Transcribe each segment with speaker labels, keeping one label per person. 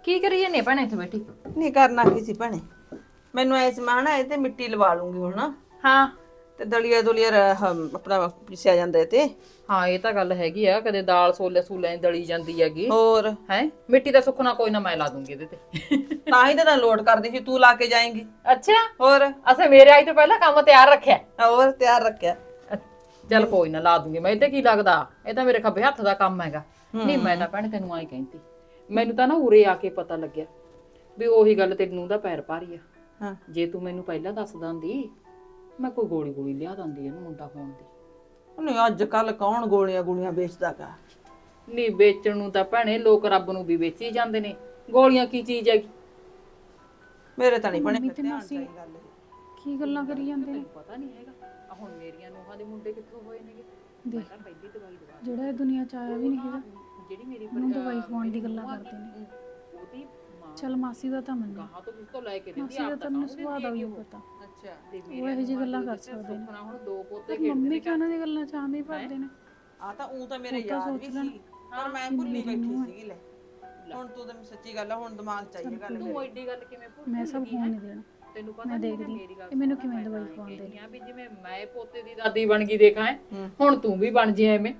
Speaker 1: ਕੀ ਕਰੀ ਜਾਂਦੀ ਭੈਣੇ ਇੱਥੇ ਬੈਠੀ?
Speaker 2: ਨਹੀਂ ਕਰਨਾ ਕੀ ਸੀ ਭੈਣੇ, ਮੈਨੂੰ ਐ ਸਮਾਨ ਹੈ ਤੇ ਮਿੱਟੀ ਲਵਾ ਲੂੰਗੀ ਹੁਣ।
Speaker 1: ਹਾਂ
Speaker 2: ਤੇ ਦਲੀਆ ਦੁਲੀਆ ਆਪਣਾ ਪਿਸਿਆ ਜਾਂਦਾ ਤੇ।
Speaker 1: ਹਾਂ ਇਹ ਤਾਂ ਗੱਲ ਹੈਗੀ ਆ, ਕਦੇ ਦਾਲ ਸੋਲੇ ਸੂਲੇ ਦਲੀ ਜਾਂਦੀ ਹੈਗੀ
Speaker 2: ਹੋਰ
Speaker 1: ਹੈ। ਮਿੱਟੀ ਦਾ ਸੁੱਕਣਾ ਕੋਈ ਨਾ, ਮੈਂ ਲਾ ਦੂੰਗੀ ਇਹਦੇ ਤੇ।
Speaker 2: ਤਾਂ ਹੀ ਤਾਂ ਲੋਡ ਕਰਦੀ ਸੀ, ਤੂੰ ਲਾ ਕੇ ਜਾਏਂਗੀ।
Speaker 1: ਅੱਛਾ,
Speaker 2: ਹੋਰ
Speaker 1: ਅਸਾਂ ਮੇਰੇ ਆਈ ਤੋਂ ਪਹਿਲਾਂ ਕੰਮ ਤਿਆਰ ਰੱਖਿਆ।
Speaker 2: ਹੋਰ ਤਿਆਰ ਰੱਖਿਆ।
Speaker 1: ਚੱਲ ਕੋਈ ਨਾ ਲਾ ਦੂੰਗੀ ਮੈਂ, ਇਹ ਤੇ ਕੀ ਲੱਗਦਾ, ਇਹ ਤਾਂ ਮੇਰੇ ਖੱਬੇ ਹੱਥ ਦਾ ਕੰਮ ਹੈਗਾ। ਨਹੀਂ ਮੈਂ ਤਾਂ ਭੈਣੇ ਤੈਨੂੰ ਆਈ ਕਹਿੰਦੀ, ਮੈਨੂੰ ਤਾਂ ਨਾ ਉਰੇ ਆ ਕੇ ਪਤਾ ਲੱਗਿਆ ਵੀ ਉਹੀ ਗੱਲ ਤੇਰੀ ਨੂੰਹ ਦਾ ਪੈਰ ਭਾਰੀ ਆ।
Speaker 2: ਹਾਂ
Speaker 1: ਜੇ ਤੂੰ ਮੈਨੂੰ ਪਹਿਲਾਂ ਦੱਸ ਦਿੰਦੀ, ਮੈਂ ਕੋਈ ਗੋਲੀ ਗੋਲੀ ਲਿਆ ਦਿੰਦੀ ਇਹਨੂੰ ਮੁੰਡਾ ਹੋਣ ਦੀ।
Speaker 2: ਨਹੀਂ ਅੱਜ ਕੱਲ ਕੌਣ ਗੋਲੀਆਂ ਗੋਲੀਆਂ ਵੇਚਦਾ ਗਾ।
Speaker 1: ਨਹੀਂ ਵੇਚਣ ਨੂੰ ਤਾਂ ਭੈਣੇ ਲੋਕ ਰੱਬ ਨੂੰ ਵੀ ਵੇਚੀ ਜਾਂਦੇ ਨੇ, ਗੋਲੀਆਂ ਕੀ ਚੀਜ਼ ਹੈਗੀ।
Speaker 2: ਮੇਰੇ ਤਾਂ ਨਹੀਂ ਭੈਣੇ
Speaker 3: ਮੰਮੀ ਤੇ ਮਾਸੀ ਕੀ ਗੱਲਾਂ ਕਰੀ ਜਾਂਦੇ ਨੇ?
Speaker 1: ਪਤਾ ਨਹੀਂ ਹੈਗਾ ਆ ਹੁਣ ਮੇਰੀਆਂ ਨੂੰਹਾਂ ਦੇ ਮੁੰਡੇ ਕਿੱਥੋਂ ਹੋਏ ਨੇਗੇ। ਮੈਂ ਤਾਂ ਪਹਿਲੀ ਦਵਾਈ ਦਵਾ
Speaker 3: ਜਿਹੜਾ ਇਹ ਦੁਨੀਆ ਚ ਆਇਆ ਵੀ ਨਹੀਂ ਹੈਗਾ,
Speaker 1: ਜਿਹੜੀ ਮੇਰੀ
Speaker 3: ਉਹਨੂੰ ਦਵਾਈ ਖਵਾਉਣ ਦੀ ਗੱਲਾਂ ਕਰਦੇ ਨੇ।
Speaker 1: ਉਹਦੀ ਮਾਂ
Speaker 3: ਚਲ ਮਾਸੀ ਦਾ ਤਾਂ ਮੰਨੇ,
Speaker 1: ਕਹਾਂ ਤੋਂ ਕਿਸ ਤੋਂ ਲੈ ਕੇ ਦਿੰਦੀ
Speaker 3: ਮਾਸੀ ਦਾ ਤਾਂ ਮੈਨੂੰ ਸੁਭਾਅ ਦਾ ਵੀ ਪਤਾ,
Speaker 1: ਅੱਛਾ ਤੇ
Speaker 3: ਉਹ ਇਹੋ ਜਿਹੀ ਗੱਲਾਂ ਕਰ ਸਕਦੇ ਨੇ।
Speaker 1: ਸੁਪਨਾ ਹੁਣ ਦੋ ਪੋਤੇ
Speaker 3: ਪਰ ਮੰਮੀ ਕਿਉਂ ਉਹਨਾਂ ਦੀ ਗੱਲਾਂ ਚ ਆਂਦੇ ਹੀ ਭਰਦੇ ਨੇ?
Speaker 2: ਆ ਤਾਂ ਉਹ ਤਾਂ ਮੇਰੇ ਯਾਦ ਵੀ ਸੀ, ਪਰ ਮੈਂ ਭੁੱਲੀ ਬੈਠੀ ਸੀਗੀ। ਲੈ ਹੁਣ ਤੂੰ ਤਾਂ ਸੱਚੀ ਗੱਲ ਆ, ਹੁਣ ਦਿਮਾਗ ਚ ਆਈ ਇਹ ਗੱਲ
Speaker 1: ਤੂੰ ਐਡੀ ਗੱਲ ਕਿਵੇਂ ਭੁੱਲ
Speaker 3: ਮੈਂ ਸਭ ਹੋਣ ਨਹੀਂ ਦੇਣਾ।
Speaker 1: ਤੈਨੂੰ ਪਤਾ
Speaker 3: ਮੈਂ
Speaker 1: ਨਹੀਂ
Speaker 3: ਦੇਖਦੀ
Speaker 1: ਮੇਰੀ ਗੱਲ
Speaker 3: ਇਹ ਮੈਨੂੰ ਕਿਵੇਂ ਦਵਾਈ ਖਵਾਉਂਦੇ ਨੇ।
Speaker 1: ਆ ਵੀ ਜਿਵੇਂ ਮੈਂ ਪੋਤੇ ਦੀ ਦਾਦੀ ਬਣ ਗਈ ਦੇਖਾਂ, ਹੁਣ ਤੂੰ ਵੀ ਬਣ ਜੇ ਐਵੇਂ।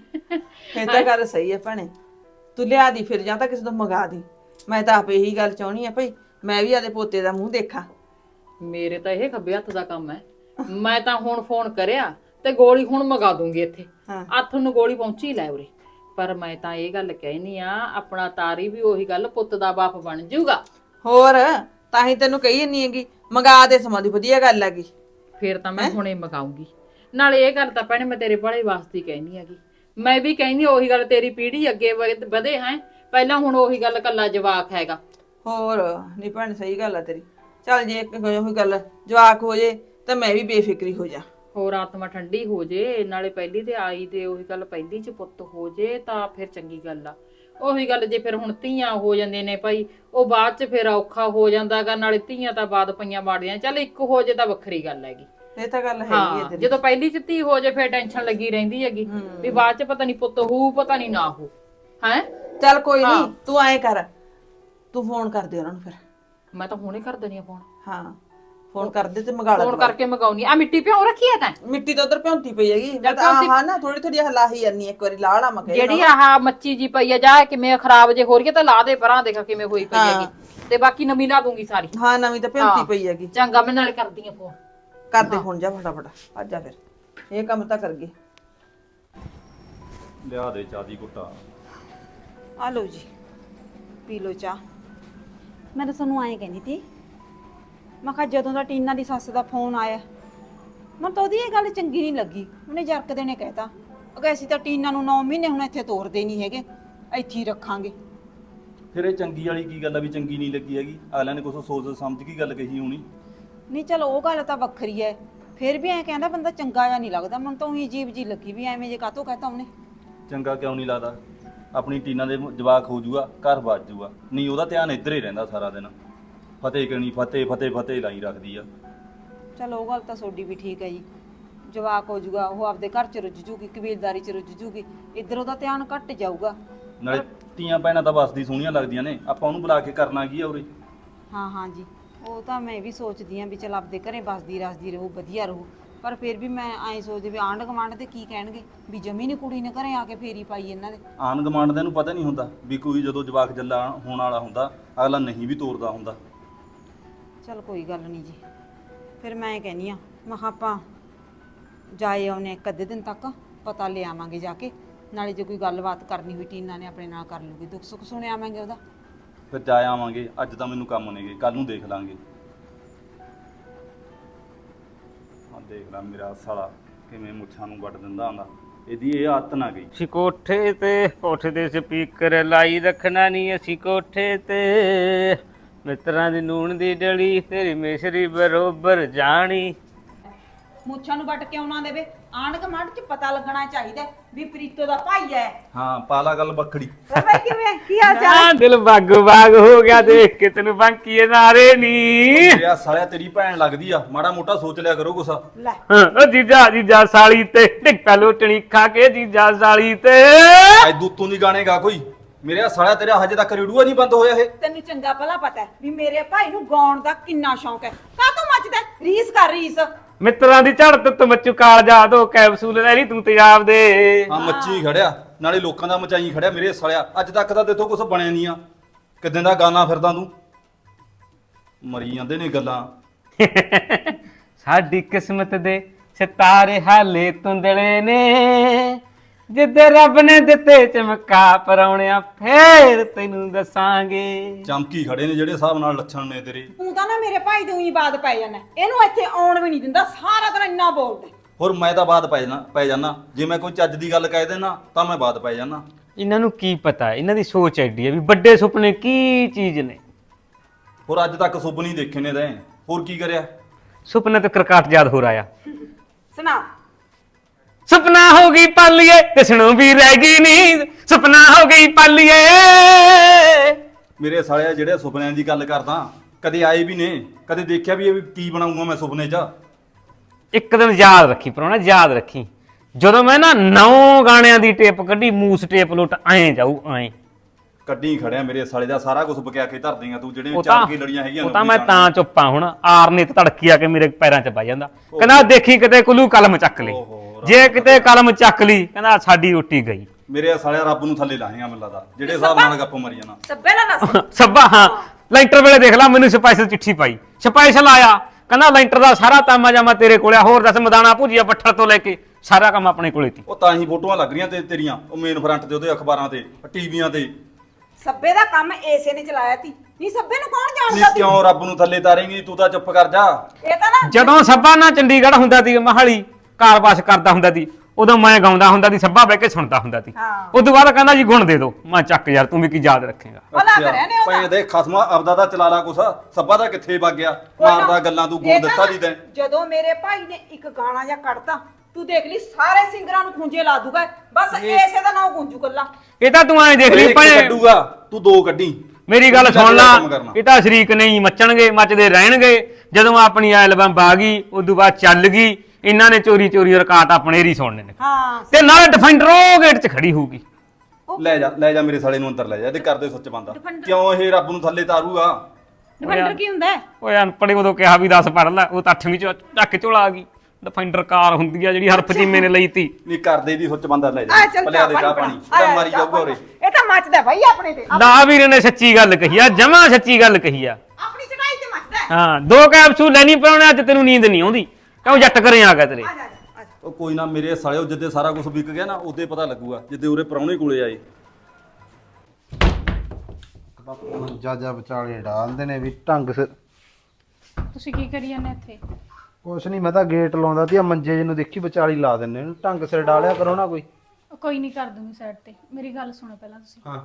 Speaker 2: ਇਹ ਤਾਂ ਗੱਲ ਸਹੀ ਹੈ ਭੈਣੇ, ਤੂੰ ਲਿਆ ਦੀ ਫਿਰ ਜਾਂ ਤਾਂ ਕਿਸੇ ਤੋਂ ਮੰਗਾ ਦੀ। ਮੈਂ ਤਾਂ ਆਪ ਇਹੀ ਗੱਲ ਚਾਹਣੀ ਆ ਭਈ, ਮੈਂ ਵੀ ਆਦੇ ਪੋਤੇ ਦਾ ਮੂੰਹ ਦੇਖਾਂ।
Speaker 1: ਮੇਰੇ ਤਾਂ ਇਹ ਖੱਬੇ ਹੱਥ ਦਾ ਕੰਮ ਹੈ। ਮੈਂ ਤਾਂ ਹੁਣ ਫੋਨ ਕਰਿਆ ਤੇ ਗੋਲੀ ਹੁਣ ਮੰਗਾ ਦੂੰਗੀ ਇੱਥੇ। ਹੱਥ ਨੂੰ ਗੋਲੀ ਪਹੁੰਚੀ ਲੈ ਉਰੇ। ਪਰ ਮੈਂ ਤਾਂ ਇਹ ਗੱਲ ਕਹਿਨੀ ਆ, ਆਪਣਾ ਤਾਰੀ ਵੀ ਉਹੀ ਗੱਲ ਪੁੱਤ ਦਾ ਬਾਪ ਬਣ ਜਾਊਗਾ।
Speaker 2: ਹੋਰ ਤਾਂ ਹੀ ਤੈਨੂੰ ਕਹੀ ਨਹੀਂ ਹੈਗੀ, ਮੰਗਾ ਦੇ ਸਮਾਂ ਦੀ ਵਧੀਆ ਗੱਲ ਹੈਗੀ।
Speaker 1: ਫੇਰ ਤਾਂ ਮੈਂ ਹੁਣੇ ਮਗਾਉਂਗੀ। ਨਾਲੇ ਇਹ ਗੱਲ ਤਾਂ ਭੈਣੇ ਮੈਂ ਤੇਰੇ ਭਲੇ ਵਾਸਤੇ ਕਹਿਨੀ ਹੈਗੀ। ਮੈਂ ਵੀ ਕਹਿੰਦੀ ਉਹੀ ਗੱਲ, ਤੇਰੀ ਪੀੜ੍ਹੀ ਅੱਗੇ ਵਧੇ ਹੈ ਪਹਿਲਾਂ, ਹੁਣ ਉਹੀ ਗੱਲ ਕੱਲਾ ਜਵਾਕ ਹੈਗਾ।
Speaker 2: ਹੋਰ ਨਹੀਂ ਭੈਣ ਸਹੀ ਗੱਲ ਆ ਤੇਰੀ। ਚੱਲ ਜੇ ਉਹੀ ਗੱਲ ਜਵਾਕ ਹੋ ਜੇ ਤਾਂ ਮੈਂ ਵੀ ਬੇਫਿਕਰੀ ਹੋ ਜਾ।
Speaker 1: ਹੋਰ ਆਤਮਾ ਠੰਡੀ ਹੋ ਜੇ, ਨਾਲੇ ਪਹਿਲੀ ਤੇ ਆਈ ਤੇ ਉਹੀ ਗੱਲ ਪਹਿਲੀ ਚ ਪੁੱਤ ਹੋ ਜੇ ਤਾਂ ਫਿਰ ਚੰਗੀ ਗੱਲ ਆ। ਉਹੀ ਗੱਲ ਜੇ ਫਿਰ ਹੁਣ ਧੀਆਂ ਹੋ ਜਾਂਦੇ ਨੇ ਭਾਈ, ਉਹ ਬਾਅਦ ਚ ਫਿਰ ਔਖਾ ਹੋ ਜਾਂਦਾਗਾ। ਨਾਲੇ ਧੀਆਂ ਤਾਂ ਬਾਅਦ ਪਈਆਂ ਮਾੜੀਆਂ, ਚੱਲ ਇੱਕ ਹੋ ਜੇ ਤਾਂ ਵੱਖਰੀ ਗੱਲ ਹੈਗੀ।
Speaker 2: ਇਹ ਤਾਂ ਗੱਲ ਹੈਗੀ ਹੈ ਤੇਰੀ।
Speaker 1: ਜਦੋਂ ਪਹਿਲੀ ਚ ਧੀ ਹੋ ਜੇ ਫਿਰ ਟੈਨਸ਼ਨ ਲੱਗੀ ਰਹਿੰਦੀ ਹੈਗੀ ਵੀ ਬਾਅਦ ਚ ਪਤਾ ਨਹੀਂ ਪੁੱਤ ਹੋਊ ਪਤਾ ਨਹੀਂ ਨਾ ਹੋ ਹੈ।
Speaker 2: ਚੱਲ ਕੋਈ ਨਹੀਂ, ਤੂੰ ਐਂ ਕਰ, ਤੂੰ ਫੋਨ ਕਰ ਦੇ ਉਹਨਾਂ ਨੂੰ ਫਿਰ।
Speaker 1: ਮੈਂ ਤਾਂ ਹੁਣੇ ਕਰ ਦੇਣੀ ਆ ਫੋਨ।
Speaker 2: ਹਾਂ ਫੋਨ ਕਰ ਦੇ ਤੇ ਮੰਗਾ ਲੈ।
Speaker 1: ਫੋਨ ਕਰਕੇ ਮਗਾਉਣੀ ਆ। ਮਿੱਟੀ ਭਿਉਂ ਰੱਖੀ ਆ ਤੈਂ?
Speaker 2: ਮਿੱਟੀ ਤਾਂ ਉਧਰ ਭਿਉਂਤੀ ਪਈ ਹੈਗੀ, ਮੈਂ ਤਾਂ ਆਹ ਨਾ ਥੋੜੀ ਥੋੜੀ ਹਲਾਹੀ ਜਾਂਦੀ ਇੱਕ ਵਾਰੀ ਲਾਹ ਲਾ ਮਕੇ।
Speaker 1: ਜਿਹੜੀ ਆਹ ਮੱਚੀ ਜੀ ਪਈ ਆ ਜਾ ਕਿਵੇਂ ਖਰਾਬ ਜੇ ਹੋ ਰਹੀ ਹੈ ਤਾਂ ਲਾ ਦੇ ਪਰਾਂ, ਦੇਖ ਕਿਵੇਂ ਹੋਈ ਪਈ ਹੈਗੀ। ਤੇ ਬਾਕੀ ਨਵੀਂ ਲਾ ਦੂੰਗੀ ਸਾਰੀ।
Speaker 2: ਹਾਂ ਨਵੀਂ ਤਾਂ ਭਿਉਂਤੀ ਪਈ ਹੈਗੀ।
Speaker 1: ਚੰਗਾ ਮੈਂ ਨਾਲੇ ਕਰਦੀ ਆ ਫੋਨ।
Speaker 2: ਕਰਦੇ ਹੁਣ ਜਾ ਫਟਾਫਟ, ਅੱਜ ਜਾ ਫਿਰ ਇਹ ਕੰਮ ਤਾਂ ਕਰ ਗਏ।
Speaker 4: ਲਿਆ ਦੇ ਚਾਹ ਦੀ ਘੁੱਟਾ।
Speaker 5: ਆ ਲਓ ਜੀ, ਪੀ ਲਓ ਚਾਹ। ਮੈਂ ਤਾਂ ਤੁਹਾਨੂੰ ਐਂ ਕਹਿੰਦੀ ਤੀ, ਮੈਂ ਕਿਹਾ ਜਦੋਂ ਦਾ ਟੀਨਾ ਦੀ ਸੱਸ ਦਾ ਫੋਨ ਆਇਆ, ਮੈਨੂੰ ਤਾਂ ਉਹਦੀ ਇਹ ਗੱਲ ਚੰਗੀ ਨਹੀਂ ਲੱਗੀ। ਉਹਨੇ ਜਰਕਦੇ ਨੇ ਕਹਿਤਾ ਅਗੇ ਅਸੀਂ ਤਾਂ ਟੀਨਾ ਨੂੰ 9 ਮਹੀਨੇ ਹੁਣ ਇੱਥੇ ਤੋਰਦੇ ਨਹੀਂ ਹੈਗੇ, ਇੱਥੇ ਹੀ ਰੱਖਾਂਗੇ।
Speaker 4: ਫਿਰ ਇਹ ਚੰਗੀ ਵਾਲੀ ਕੀ ਗੱਲ ਆ ਵੀ ਚੰਗੀ ਨਹੀਂ ਲੱਗੀ ਹੈਗੀ? ਅਗਲਿਆਂ ਨੇ ਕੁਛ ਸੋਚ ਸਮਝ ਕੇ ਗੱਲ ਕਹੀ ਹੋਣੀ।
Speaker 5: ਨਹੀਂ ਚਲੋ ਉਹ ਗੱਲ ਤਾਂ ਵੱਖਰੀ ਹੈ, ਫਿਰ ਵੀ ਐਂ ਕਹਿੰਦਾ ਬੰਦਾ ਚੰਗਾ ਜਾਂ ਨਹੀਂ ਲੱਗਦਾ। ਮੈਨੂੰ ਤਾਂ ਉਹੀ ਅਜੀਬ ਜੀ ਲੱਗੀ ਵੀ ਐਵੇਂ ਜੇ ਕਾਹਤੋਂ ਕਹਿਤਾ ਉਹਨੇ।
Speaker 4: ਚੰਗਾ ਕਿਉਂ ਨਹੀਂ ਲੱਗਦਾ? ਆਪਣੀ ਟੀਨਾ ਦੇ ਜਵਾਕ ਹੋ ਜੂਗਾ, ਘਰ ਵੱਜ ਜੂਗਾ। ਨਹੀਂ ਉਹਦਾ ਧਿਆਨ ਇੱਧਰ ਹੀ ਰਹਿੰਦਾ ਸਾਰਾ ਦਿਨ। ਫਤਿਹ ਕਣੀ ਫਤਿਹ ਫਤਿਹ ਫਤਿਹ ਲਾਈ ਰੱਖਦੀ ਆ।
Speaker 5: ਚਲੋ ਉਹ ਗੱਲ ਤਾਂ ਤੁਹਾਡੀ ਵੀ ਠੀਕ ਹੈ ਜੀ, ਜਵਾਕ ਹੋ ਜੂਗਾ, ਉਹ ਆਪਦੇ ਘਰ 'ਚ ਰੁੱਝ ਜੂਗੀ, ਕਬੀਲਦਾਰੀ 'ਚ ਰੁੱਝ ਜੂਗੀ, ਇੱਧਰ ਉਹਦਾ ਧਿਆਨ ਘੱਟ ਜਾਊਗਾ।
Speaker 4: ਨਾਲੇ ਧੀਆਂ ਭੈਣਾਂ ਤਾਂ ਵਸਦੀ ਸੋਹਣੀਆਂ ਲੱਗਦੀਆਂ ਨੇ, ਆਪਾਂ ਉਹਨੂੰ ਬੁਲਾ ਕੇ ਕਰਨਾ ਕੀ ਆ ਉਰੇ?
Speaker 5: ਹਾਂ ਹਾਂ ਜੀ, ਉਹ ਤਾਂ ਮੈਂ ਵੀ ਸੋਚਦੀ ਆਂ ਵੀ ਚਲ ਆਪਦੇ ਘਰੇ ਬਸਦੀ ਰਸਦੀ ਰਹੂ, ਵਧੀਆ ਰਹੂ। ਪਰ ਫਿਰ ਵੀ ਮੈਂ ਐਂ ਸੋਚਦੀ ਵੀ ਆਂਢ ਗੁਆਂਢ ਤੇ ਕੀ ਕਹਿਣਗੇ ਵੀ ਜਮੀ ਨੀ ਕੁੜੀ ਨੇ ਘਰੇ ਆ ਕੇ ਫੇਰੀ ਪਾਈ ਇਹਨਾਂ ਦੇ।
Speaker 4: ਆਣ ਗਮਾਂਡ ਦਾ ਨੂੰ ਪਤਾ ਨਹੀਂ ਹੁੰਦਾ ਵੀ ਕੋਈ ਜਦੋਂ ਜਵਾਕ ਜੱਲਾ ਹੋਣ ਵਾਲਾ ਹੁੰਦਾ ਅਗਲਾ ਨਹੀਂ ਵੀ ਤੋਰਦਾ ਹੁੰਦਾ।
Speaker 5: ਚਲ ਕੋਈ ਗੱਲ ਨਹੀਂ ਜੀ, ਫਿਰ ਮੈਂ ਕਹਿੰਦੀ ਆ ਮੈਂ ਕਿਹਾ ਆਪਾਂ ਜਾਏ ਆਉਨੇ ਇੱਕ ਅੱਧੇ ਦਿਨ ਤੱਕ, ਪਤਾ ਲੈ ਆਵਾਂਗੇ ਜਾ ਕੇ। ਨਾਲੇ ਜੇ ਕੋਈ ਗੱਲਬਾਤ ਕਰਨੀ ਹੋਈ ਟੀਨਾ ਨੇ ਆਪਣੇ ਨਾਲ ਕਰ ਲੂਗੀ, ਦੁੱਖ ਸੁੱਖ ਸੁਣ ਆਵਾਂਗੇ ਉਹਦਾ।
Speaker 4: ਫਿਰ ਜਾ ਆਵਾਂਗੇ, ਅੱਜ ਤਾਂ ਮੈਨੂੰ ਕੰਮ ਨੇਗੇ, ਕੱਲ ਨੂੰ ਦੇਖ ਲਾਂਗੇ। ਹਾਂ ਦੇਖ ਲਾ ਮੇਰਾ ਸਾਲਾ ਕਿਵੇਂ ਮੁੱਛਾਂ ਨੂੰ ਵੱਢ ਦਿੰਦਾ ਹੁੰਦਾ, ਇਹਦੀ ਇਹ ਆਦਤ ਨਾ ਗਈ।
Speaker 6: ਅਸੀਂ ਕੋਠੇ ਤੇ ਸਪੀਕਰ ਲਾਈ ਰੱਖਣਾ ਨਹੀਂ ਅਸੀਂ ਕੋਠੇ ਤੇ, ਮਿੱਤਰਾਂ ਦੀ ਨੂਣ ਦੀ ਡਲੀ ਤੇਰੀ ਮਿਸਰੀ ਬਰੋਬਰ ਜਾਣੀ।
Speaker 5: ਮੁੱਛਾਂ ਨੂੰ ਵੱਟ ਕੇ ਆਉਣਾ ਦੇਵੇ, ਆਂਢ ਗੁਆਂਢ 'ਚ ਪਤਾ ਲੱਗਣਾ ਚਾਹੀਦਾ ਵੀ ਪ੍ਰੀਤੋ ਦਾ ਭਾਈ ਹੈ।
Speaker 4: ਹਾਂ ਪਾਲਾ ਗੱਲ ਬੱਖੜੀ।
Speaker 5: ਬਾਬਾ ਕਿਵੇਂ ਕੀ ਹਾਲ ਚਾਲ?
Speaker 6: ਆ ਦਿਲ ਬਾਗ ਬਾਗ ਹੋ ਗਿਆ ਦੇਖ ਕੇ ਤੈਨੂੰ ਬਾਂਕੀਏ ਨਾਰੇ ਨੀ।
Speaker 4: ਤੇਰਾ ਸਾਲਿਆ ਤੇਰੀ ਭੈਣ ਲੱਗਦੀ ਆ, ਮਾੜਾ ਮੋਟਾ ਸੋਚ ਲਿਆ ਕਰੋ ਕੁਛ।
Speaker 5: ਲੈ
Speaker 6: ਓ ਜੀਜਾ ਸਾਲੀ ਤੇ ਟਿੱਕਾ ਲੋਟਣੀ ਖਾ ਕੇ ਜੀਜਾ ਸਾਲੀ ਤੇ।
Speaker 4: ਅੱਜ ਦੂਤੋਂ ਦੀ ਗਾਣੇਗਾ ਕੋਈ ਮੇਰੇ ਸਾਲਿਆ ਤੇਰਾ ਹਜੇ ਤੱਕ ਰੇਡੂਆ ਨਹੀਂ ਬੰਦ ਹੋਇਆ ਇਹ।
Speaker 5: ਤੈਨੂੰ ਚੰਗਾ ਭਲਾ ਪਤਾ ਹੈ ਵੀ ਮੇਰੇ ਭਾਈ ਨੂੰ ਗਾਉਣ ਦਾ ਕਿੰਨਾ ਸ਼ੌਂਕ ਹੈ। ਕਾਹਤੋਂ ਮੱਚਦਾ ਹੈ? ਰੀਸ ਕਰ ਰੀਸ।
Speaker 6: ਮਿੱਤਰਾਂ ਦੀ ਝੜਤ ਤੇ ਮੱਚੂ ਕਾਲਜਾ ਦੋ ਕੈਪਸੂਲ ਲੈ ਲਈ ਤੂੰ ਤੇਜ਼ਾਬ ਦੇ।
Speaker 4: ਹਾਂ ਮੱਚੀ ਖੜਿਆ ਨਾਲੇ ਲੋਕਾਂ ਦਾ ਮਚਾਈ ਖੜਿਆ ਮੇਰੇ ਸਾਲਿਆ। ਅੱਜ ਤੱਕ ਤਾਂ ਤੇਥੋਂ ਕੁਝ ਬਣਿਆ ਨਹੀਂ ਆ। ਕਿਦਾਂ ਦਾ ਗਾਣਾ ਫਿਰਦਾ ਤੂੰ। ਮਰੀ ਜਾਂਦੇ ਨੇ ਗੱਲਾਂ।
Speaker 6: ਸਾਡੀ ਕਿਸਮਤ ਦੇ ਸਿਤਾਰੇ ਹਾਲੇ ਧੁੰਦਲੇ ਨੇ, ਜਿੱਦੇ ਰੱਬ ਨੇ ਦਿੱਤੇ ਚਮਕਾ ਪਰਾਉਣਿਆ ਫੇਰ ਤੈਨੂੰ ਦੱਸਾਂਗੇ।
Speaker 4: ਚਮਕੀ ਖੜੇ ਨੇ ਜਿਹੜੇ ਹਿਸਾਬ ਨਾਲ ਲੱਛਣ ਨੇ ਤੇਰੇ।
Speaker 5: ਤੂੰ ਤਾਂ ਨਾ ਮੇਰੇ ਭਾਈ ਦੇ ਉਹੀ ਬਾਤ ਪੈ ਜਾਣਾ। ਇਹਨੂੰ ਇੱਥੇ ਆਉਣ ਵੀ ਨਹੀਂ ਦਿੰਦਾ। ਸਾਰਾ ਦਿਨ ਇੰਨਾ ਬੋਲਦਾ।
Speaker 4: ਹੋਰ ਮੈਂ ਤਾਂ ਬਾਤ ਪੈ ਜਾਣਾ। ਜੇ ਮੈਂ ਕੋਈ ਚੱਜ ਦੀ ਗੱਲ ਕਹਿ ਦੇਣਾ ਤਾਂ ਮੈਂ ਬਾਤ ਪੈ ਜਾਣਾ।
Speaker 6: ਇਹਨਾਂ ਨੂੰ ਕੀ ਪਤਾ, ਇਹਨਾਂ ਦੀ ਸੋਚ ਐਡੀ ਹੈ ਵੀ ਵੱਡੇ ਸੁਪਨੇ ਕੀ ਚੀਜ਼ ਨੇ।
Speaker 4: ਹੋਰ ਅੱਜ ਤੱਕ ਸੁਪਨੇ ਹੀ ਦੇਖੇ ਨੇ ਤੈਂ। ਹੋਰ ਕੀ ਕਰਿਆ?
Speaker 6: ਸੁਪਨੇ ਤੇ ਕਰਕਾਟ ਯਾਦ ਹੋ ਰਿਹਾ।
Speaker 5: ਸੁਣਾ।
Speaker 6: ਸੁਪਨਾ ਹੋ ਗਈ ਪਾਲੀਏ ਕਿਸਨੂੰ ਵੀ ਰਹਿ ਗਈ ਨੀਂਦ, ਸੁਪਨਾ ਹੋ ਗਈ ਪਾਲੀਏ।
Speaker 4: ਮੇਰੇ ਸਾਲਿਆ ਜਿਹੜੇ ਸੁਪਨਿਆਂ ਦੀ ਗੱਲ ਕਰਦਾ ਕਦੇ ਆਏ ਵੀ ਨੇ, ਕਦੇ ਦੇਖਿਆ ਵੀ ਇਹ ਵੀ ਕੀ ਬਣਾਉਂਗਾ ਮੈਂ ਸੁਪਨੇ 'ਚ।
Speaker 6: ਇੱਕ ਦਿਨ ਯਾਦ ਰੱਖੀ ਪਰਾਉਣਾ, ਯਾਦ ਰੱਖੀ, ਜਦੋਂ ਮੈਂ ਨਾ 9 ਗਾਣਿਆਂ ਦੀ ਟੇਪ ਕੱਢੀ, ਮੂਸ ਟੇਪ ਲੁੱਟ ਐਂ ਜਾਊ ਐਂ।
Speaker 4: ਕੱਢੀ ਖੜਿਆ ਮੇਰੇ ਸਾਲੇ ਦਾ ਸਾਰਾ ਕੁਝ ਬਕਿਆ ਕੇ ਧਰ ਦੇਂਗਾ ਤੂੰ। ਜਿਹੜੇ
Speaker 6: ਉਹ
Speaker 4: ਚਾਰ
Speaker 6: ਤਾਂ
Speaker 4: ਕੀ ਲੜੀਆਂ ਹੈਗੀਆਂ
Speaker 6: ਉਹ ਤਾਂ ਮੈਂ ਤਾਂ ਚੁੱਪਾਂ ਹੁਣ। ਆਰ ਨੇ ਤੇ ਧੜਕੀ ਆ ਕੇ ਮੇਰੇ ਪੈਰਾਂ 'ਚ ਪੈ ਜਾਂਦਾ। ਕਹਿੰਦਾ ਦੇਖੀ ਕਿਤੇ ਕੁੱਲੂ ਕਲਮ ਚੱਕ ਲਈ, ਜੇ ਕਿਤੇ ਕਲਮ ਚੱਕ ਲਈ ਕਹਿੰਦਾ ਸਾਡੀ ਰੋਟੀ ਗਈ।
Speaker 4: ਮੇਰੇ ਸਾਲਿਆ ਰੱਬ ਨੂੰ ਥੱਲੇ ਲਾਹੇਗਾ ਮੈਨੂੰ ਲੱਗਦਾ ਜਿਹੜੇ ਹਿਸਾਬ ਨਾਲ ਗੱਪ ਮਰੀ ਜਾਣਾ।
Speaker 5: ਸੱਬੇ ਨਾ ਦੱਸ।
Speaker 6: ਸੱਬਾ ਹਾਂ ਲੈਂਟਰ ਵੇਲੇ ਦੇਖ ਲਾ ਮੈਨੂੰ ਸਪੈਸ਼ਲ ਚਿੱਠੀ ਪਾਈ, ਸਪੈਸ਼ਲ ਆਇਆ ਕਹਿੰਦਾ ਲੈਂਟਰ ਦਾ ਸਾਰਾ ਤਾਮਾ ਜਾਮਾ ਤੇਰੇ ਕੋਲੇ। ਹੋਰ ਦੱਸ ਮਦਾਨਾ ਭੁਜੀਆ ਪੱਠਲ ਤੋਂ ਲੈ ਕੇ ਸਾਰਾ ਕੰਮ ਆਪਣੇ ਕੋਲੇ ਸੀ।
Speaker 4: ਉਹ ਤਾਂ ਹੀ ਫੋਟੋਆਂ ਲੱਗ ਰਹੀਆਂ ਤੇ ਤੇਰੀਆਂ ਉਹ ਮੇਨ ਫਰੰਟ ਤੇ ਉਹਦੇ ਅਖਬਾਰਾਂ ਤੇ ਟੀਵੀਆਂ ਤੇ।
Speaker 5: ਸੱਬੇ ਦਾ ਕੰਮ ਏਸੇ ਨੇ ਚਲਾਇਆ ਤੀ। ਨਹੀਂ ਸੱਬੇ ਨੂੰ ਕੌਣ
Speaker 4: ਨਹੀਂ
Speaker 5: ਜਾਣਦਾ ਤੀ?
Speaker 4: ਕਿਉਂ ਰੱਬ ਨੂੰ ਥੱਲੇ ਤਾਰੇਂਗੀ? ਤੂੰ ਤਾਂ ਚੁੱਪ ਕਰ ਜਾ।
Speaker 5: ਇਹ ਤਾਂ ਨਾ
Speaker 6: ਜਦੋਂ ਸੱਬਾ ਨਾ ਚੰਡੀਗੜ੍ਹ ਹੁੰਦਾ ਸੀ ਮਹਾਲੀ ਕਾਰਵਾਸ ਕਰਦਾ ਹੁੰਦਾ ਸੀ, ਉਦੋਂ ਮੈਂ ਗਾਉਂਦਾ ਹੁੰਦਾ ਸੀ, ਸੱਬਾ ਬਹਿ ਕੇ ਸੁਣਦਾ ਹੁੰਦਾ ਸੀ।
Speaker 5: ਹਾਂ।
Speaker 6: ਉਦੋਂ ਬਾਅਦ ਕਹਿੰਦਾ ਜੀ ਗੁਣ ਦੇ ਦਿਓ। ਮੈਂ ਚੱਕ ਯਾਰ ਤੂੰ ਵੀ ਕੀ ਯਾਦ ਰੱਖੇਗਾ।
Speaker 5: ਭਲਾ ਕਰਿਆ ਨੇ ਉਹਦਾ।
Speaker 4: ਪਏ ਦੇ ਖਸਮਾ ਆਪਦਾ ਦਾ ਚਲਾ ਲਾ ਕੁਛ। ਸੱਬਾ ਦਾ ਕਿੱਥੇ ਵਗ ਗਿਆ? ਮਾਰਦਾ ਗੱਲਾਂ ਤੂੰ। ਗੁਣ
Speaker 5: ਇਹ ਤਾਂ
Speaker 4: ਦਿੱਤਾ ਦੀ ਤੈਂ।
Speaker 5: ਜਦੋਂ ਮੇਰੇ ਭਾਈ ਨੇ ਇੱਕ ਗਾਣਾ ਜਾਂ ਕੱਢਤਾ ਤੂੰ ਦੇਖ ਲਈ ਸਾਰੇ ਸਿੰਗਰਾਂ ਨੂੰ ਖੁੰਝੇ ਲਾ ਦੂਗਾ। ਬਸ ਏਸੇ ਦਾ ਨਾਂ ਗੁੰਜੂ ਕੱਲਾ।
Speaker 6: ਇਹ ਤਾਂ ਤੂੰ ਐਂ ਦੇਖ ਲਈ
Speaker 4: ਇੱਕ
Speaker 6: ਭੈਣੇ,
Speaker 4: ਕੱਢੂਗਾ ਤੂੰ 2 ਕੱਢੀ।
Speaker 6: ਮੇਰੀ ਗੱਲ
Speaker 4: ਚੱਜ ਦਾ
Speaker 6: ਸੁਣ ਲਾ,
Speaker 4: ਕੰਮ ਕਰਨਾ।
Speaker 6: ਇਹ ਤਾਂ ਸ਼ਰੀਕ ਨਹੀਂ ਮੱਚਣਗੇ, ਮੱਚਦੇ ਰਹਿਣਗੇ। ਜਦੋਂ ਆਪਣੀ ਐਲਬਮ ਆ ਗਈ ਉਦੋਂ ਬਾਅਦ ਚੱਲ ਗਈ, ਇਹਨਾਂ ਨੇ ਚੋਰੀ ਚੋਰੀ ਰਿਕਾਰਡ ਆਪਣੇ ਰੀ ਸੁਣਨੇ ਨੇ।
Speaker 5: ਹਾਂ
Speaker 6: ਤੇ ਨਾਲੇ ਡਿਫੈਂਡਰ ਉਹ ਗੇਟ 'ਚ ਖੜੀ ਹੋਊਗੀ।
Speaker 4: ਲੈ ਜਾ ਮੇਰੇ ਸਾਲੇ ਨੂੰ ਅੰਦਰ ਲੈ ਜਾ। ਇਹਦੇ ਕਰਦੇ ਸੁੱਚ ਬੰਦਾ। ਕਿਉਂ ਇਹ ਰੱਬ ਨੂੰ ਥੱਲੇ ਤਾਰੂਗਾ?
Speaker 5: ਡਿਫੈਂਡਰ ਕੀ ਹੁੰਦਾ ਹੈ?
Speaker 6: ਓਏ ਅਨਪੜ੍ਹ ਉਦੋਂ ਕਿਹਾ ਵੀ 10 ਪੜ੍ਹ ਲੈ, ਉਹ ਤਾਂ 8ਵੀਂ 'ਚ ਚੱਕ ਝੋਲਾ ਆ ਗਈ। ਡਿਫੈਂਡਰ ਕਾਰ ਹੁੰਦੀ ਆ ਜਿਹੜੀ ਹਰਫ ਚੀਮੇ ਨੇ ਲਈ ਤੀ।
Speaker 4: ਨਹੀਂ ਕਰਦੇ ਦੀ ਸੁੱਚ ਬੰਦਾ ਲੈ
Speaker 5: ਆ
Speaker 4: ਜਾ।
Speaker 5: ਚੱਲ
Speaker 4: ਭਲਿਆ ਦੇ ਚਾਹ ਪਾਣੀ ਤਾਂ ਮਾਰੀ ਜਾਊਗਾ ਉਰੇ।
Speaker 5: ਇਹ ਤਾਂ ਮੱਚਦਾ ਭਾਈ ਆਪਣੇ ਤੇ।
Speaker 6: ਨਾ ਵੀਰ ਨੇ ਸੱਚੀ ਗੱਲ ਕਹੀ ਆ, ਜਮਾਂ ਸੱਚੀ ਗੱਲ ਕਹੀ ਆ।
Speaker 5: ਆਪਣੀ ਚੜਾਈ ਤੇ ਮੱਚਦਾ ਹੈ।
Speaker 6: ਹਾਂ 2 ਕੈਪਸੂਲ ਲੈਣੀ ਪਰਾਉਣੇ, ਅੱਜ ਤੈਨੂੰ ਨੀਂਦ ਨਹੀਂ ਆਉਂਦੀ ਕਿਉਂ ਜੱਟ ਘਰੇ ਆ ਗਿਆ ਤੇਰੇ।
Speaker 5: ਆ ਜਾ ਆ ਜਾ।
Speaker 4: ਉਹ ਕੋਈ ਨਾ ਮੇਰੇ ਸਾਲਿਓ, ਜਿੱਦੇ ਸਾਰਾ ਕੁਝ ਵਿਕ ਗਿਆ ਨਾ ਉਦੋਂ ਪਤਾ ਲੱਗੂਗਾ, ਜਿੱਦੇ ਉਰੇ ਪ੍ਰਾਹੁਣੇ ਕੋਲੇ ਆਏ।
Speaker 7: ਜਾ ਵਿਚਾਲੇ ਡਾਲਦੇ ਨੇ ਵੀ ਢੰਗ ਸਿਰ।
Speaker 3: ਤੁਸੀਂ ਕੀ ਕਰੀ ਜਾਂਦੇ ਇੱਥੇ?
Speaker 7: ਕੁਛ ਨਹੀਂ, ਮੈਂ ਤਾਂ ਗੇਟ ਲਾਉਂਦਾ ਸੀ। ਆ ਮੰਜੇ ਜਿਹਨੂੰ ਦੇਖੀ ਵਿਚਾਲੀ ਲਾ ਦਿੰਨੇ ਇਹਨੂੰ। ਢੰਗ ਸਿਰ ਡਾਲਿਆ ਕਰੋ ਨਾ ਕੋਈ।
Speaker 3: ਕੋਈ ਨਹੀਂ, ਕਰ ਦੂੰਗੀ ਸਾਈਡ ਤੇ। ਮੇਰੀ ਗੱਲ ਸੁਣੋ ਪਹਿਲਾਂ ਤੁਸੀਂ।
Speaker 7: ਹਾਂ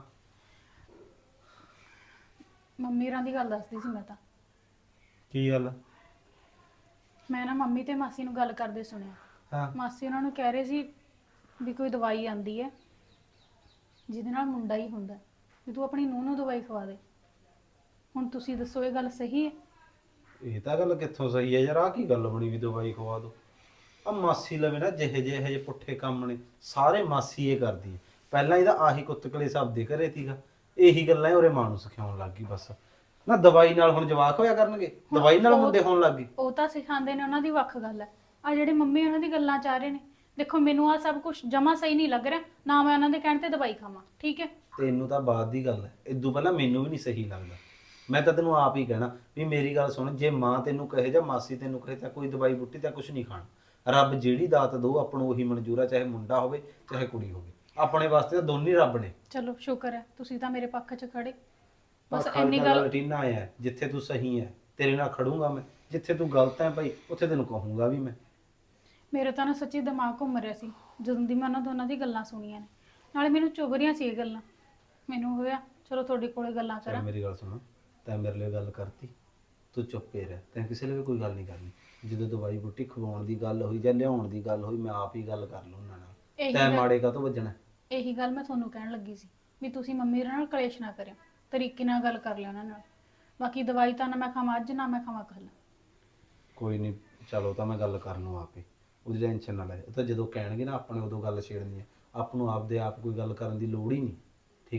Speaker 3: ਮੰਮੀ ਹੋਰਾਂ ਦੀ ਗੱਲ ਦੱਸਦੀ ਸੀ ਮੈਂ ਤਾਂ।
Speaker 7: ਕੀ ਗੱਲ?
Speaker 3: ਮੈਂ ਨਾ ਮੰਮੀ ਤੇ ਮਾਸੀ ਨੂੰ ਗੱਲ ਕਰਦੇ ਸੁਣਿਆ।
Speaker 7: ਹਾਂ
Speaker 3: ਮਾਸੀ ਉਹਨਾਂ ਨੂੰ ਕਹਿ ਰਹੇ ਸੀ ਵੀ ਕੋਈ ਦਵਾਈ ਆਂਦੀ ਹੈ ਜਿਹਦੇ ਨਾਲ ਮੁੰਡਾ ਹੀ ਹੁੰਦਾ, ਵੀ ਤੂੰ ਆਪਣੀ ਨੂੰਹ ਨੂੰ ਦਵਾਈ ਖਵਾ ਦੇ। ਹੁਣ ਤੁਸੀਂ ਦੱਸੋ ਇਹ ਗੱਲ ਸਹੀ ਹੈ?
Speaker 7: ਇਹ ਤਾਂ ਗੱਲ ਕਿੱਥੋਂ ਸਹੀ ਹੈ ਯਾਰ। ਆ ਕੀ ਗੱਲ ਬਣੀ ਵੀ ਦਵਾਈ ਖਵਾ ਦੋ? ਆ ਮਾਸੀ ਲਵੇ ਨਾ ਜਿਹੇ ਜਿਹੇ ਪੁੱਠੇ ਕੰਮ ਨੇ ਸਾਰੇ ਮਾਸੀ ਇਹ ਕਰਦੀ ਹੈ। ਪਹਿਲਾਂ ਇਹਦਾ ਆਹੀ ਕੁੱਤਕਲੇ ਸਭ ਦੇ ਘਰੇ ਸੀਗਾ। ਇਹੀ ਗੱਲਾਂ ਉਹਰੇ ਮਾਂ ਨੂੰ ਸਿਖਾਉਣ ਲੱਗ ਗਈ ਬਸ। ਨਾ ਦਵਾਈ ਨਾਲ ਹੁਣ ਜਵਾਕ ਹੋਇਆ ਕਰਨਗੇ? ਦਵਾਈ ਨਾਲ ਮੁੰਡੇ ਹੋਣ ਲੱਗ ਗਏ?
Speaker 3: ਉਹ ਤਾਂ ਸਿਖਾਉਂਦੇ ਨੇ, ਉਹਨਾਂ ਦੀ ਵੱਖ ਗੱਲ ਹੈ। ਆ ਜਿਹੜੇ ਮੰਮੀ ਉਹਨਾਂ ਦੀ ਗੱਲਾਂ ਚਾਹ ਰਹੇ ਨੇ, ਦੇਖੋ ਮੈਨੂੰ ਆ ਸਭ ਕੁਝ ਜਮਾ ਸਹੀ ਨਹੀਂ ਲੱਗ ਰਿਹਾ। ਨਾ ਮੈਂ ਉਹਨਾਂ ਦੇ ਕਹਿਣ ਤੇ ਦਵਾਈ ਖਾਵਾਂ, ਠੀਕ ਹੈ?
Speaker 7: ਤੈਨੂੰ ਤਾਂ ਬਾਅਦ ਦੀ ਗੱਲ ਹੈ। ਇਦੋਂ ਪਹਿਲਾਂ ਮੈਨੂੰ ਵੀ ਨਹੀਂ ਸਹੀ ਲੱਗਦਾ। ਮੈਂ ਤਾਂ ਤੈਨੂੰ ਆਪ ਹੀ ਕਹਿਣਾ ਵੀ ਮੇਰੀ ਗੱਲ ਸੁਣ। ਜੇ ਮਾਂ ਤੈਨੂੰ ਕਹੇ ਜਾਂ ਮਾਸੀ ਤੈਨੂੰ ਕਹੇ ਤਾਂ ਕੋਈ ਦਵਾਈ ਬੁੱਟੀ ਤਾਂ ਕੁਝ ਨਹੀਂ ਖਾਣਾ। ਰੱਬ ਜਿਹੜੀ ਦਾਤ ਦੋ ਆਪਾਂ ਨੂੰ ਉਹੀ ਮਨਜ਼ੂਰ ਆ, ਚਾਹੇ ਮੁੰਡਾ ਹੋਵੇ ਚਾਹੇ ਕੁੜੀ ਹੋਵੇ। ਆਪਣੇ ਵਾਸਤੇ ਤਾਂ ਦੋਨੇ ਰੱਬ ਨੇ।
Speaker 3: ਚਲੋ ਸ਼ੁਕਰ ਹੈ ਤੁਸੀਂ ਤਾਂ ਮੇਰੇ ਪੱਖ 'ਚ ਖੜੇ। ਬਸ
Speaker 7: ਆਖਰ
Speaker 3: ਇੰਨੀ
Speaker 7: ਦਾ
Speaker 3: ਗੱਲ।
Speaker 7: ਰੁਟੀਨਾ ਆਇਆ ਹੈ, ਜਿੱਥੇ ਤੂੰ ਸਹੀ ਹੈ ਤੇਰੇ ਨਾਲ ਖੜੂੰਗਾ ਮੈਂ, ਜਿੱਥੇ ਤੂੰ ਗਲਤ ਹੈ ਭਾਈ ਉੱਥੇ ਤੈਨੂੰ ਕਹੂੰਗਾ ਵੀ ਮੈਂ।
Speaker 3: ਮੇਰੇ ਤਾਂ ਨਾ ਸੱਚੀ ਦਿਮਾਗ ਘੁੰਮ ਰਿਹਾ ਸੀ ਜਦੋਂ ਦੀ ਮੈਂ ਉਹਨਾਂ ਦੋਨਾਂ ਦੀ ਗੱਲਾਂ ਸੁਣੀਆਂ ਨੇ। ਨਾਲੇ ਮੈਨੂੰ ਚੁਭ ਰਹੀਆਂ ਸੀ ਇਹ ਗੱਲਾਂ। ਮੈਨੂੰ ਹੋਇਆ ਚਲੋ ਤੁਹਾਡੇ ਕੋਲੇ ਗੱਲਾਂ
Speaker 7: ਚੱਲ
Speaker 3: ਕਰਾਂ।
Speaker 7: ਮੇਰੀ ਗੱਲ ਸੁਣ, ਤੈਂ ਮੇਰੇ ਲਈ ਗੱਲ ਕਰਤੀ, ਤੂੰ ਚੁੱਪੇ ਰਹਿ। ਤੈਂ ਕਿਸੇ ਲਈ ਵੀ ਕੋਈ ਗੱਲ ਨਹੀਂ ਕਰਨੀ। ਜਦੋਂ ਦਵਾਈ ਬੂਟੀ ਖਵਾਉਣ ਦੀ ਗੱਲ ਹੋਈ ਜਾਂ ਲਿਆਉਣ ਦੀ ਗੱਲ ਹੋਈ, ਮੈਂ ਆਪ ਹੀ ਗੱਲ ਕਰ ਲਊ ਉਹਨਾਂ ਨਾਲ।
Speaker 3: ਇਹੀ
Speaker 7: ਤੈਂ
Speaker 3: ਗੱਲ-
Speaker 7: ਮਾੜੇ ਕਾਹਤੋਂ ਵੱਜਣਾ?
Speaker 3: ਇਹੀ ਗੱਲ ਮੈਂ ਤੁਹਾਨੂੰ ਕਹਿਣ ਲੱਗੀ ਸੀ ਵੀ ਤੁਸੀਂ ਮੰਮੀ ਹੋਰਾਂ ਨਾਲ ਕਲੇਸ਼ ਨਾ ਕਰਿਓ, ਤਰੀਕੇ ਨਾਲ ਗੱਲ ਕਰ ਲਿਓ ਉਹਨਾਂ ਨਾਲ। ਬਾਕੀ ਦਵਾਈ ਤਾਂ ਨਾ ਮੈਂ ਖਾਵਾਂ ਅੱਜ, ਨਾ ਮੈਂ ਖਾਵਾਂ ਕੱਲ।
Speaker 7: ਕੋਈ ਨਹੀਂ, ਚਲੋ ਤਾਂ ਮੈਂ ਗੱਲ ਕਰ ਲਊ ਆਪੇ। ਉਹਦੀ ਟੈਨਸ਼ਨ ਨਾ ਲੈ। ਉਹ ਤਾਂ ਜਦੋਂ ਕਹਿਣਗੇ ਨਾ ਆਪਾਂ ਨੇ ਉਦੋਂ ਗੱਲ ਛੇੜਨੀ ਹੈ। ਆਪ ਨੂੰ ਆਪਦੇ ਆਪ ਕੋਈ ਗੱਲ ਕਰਨ ਦੀ ਲੋੜ ਹੀ ਨਹੀਂ, ਠੀਕ ਹੈ?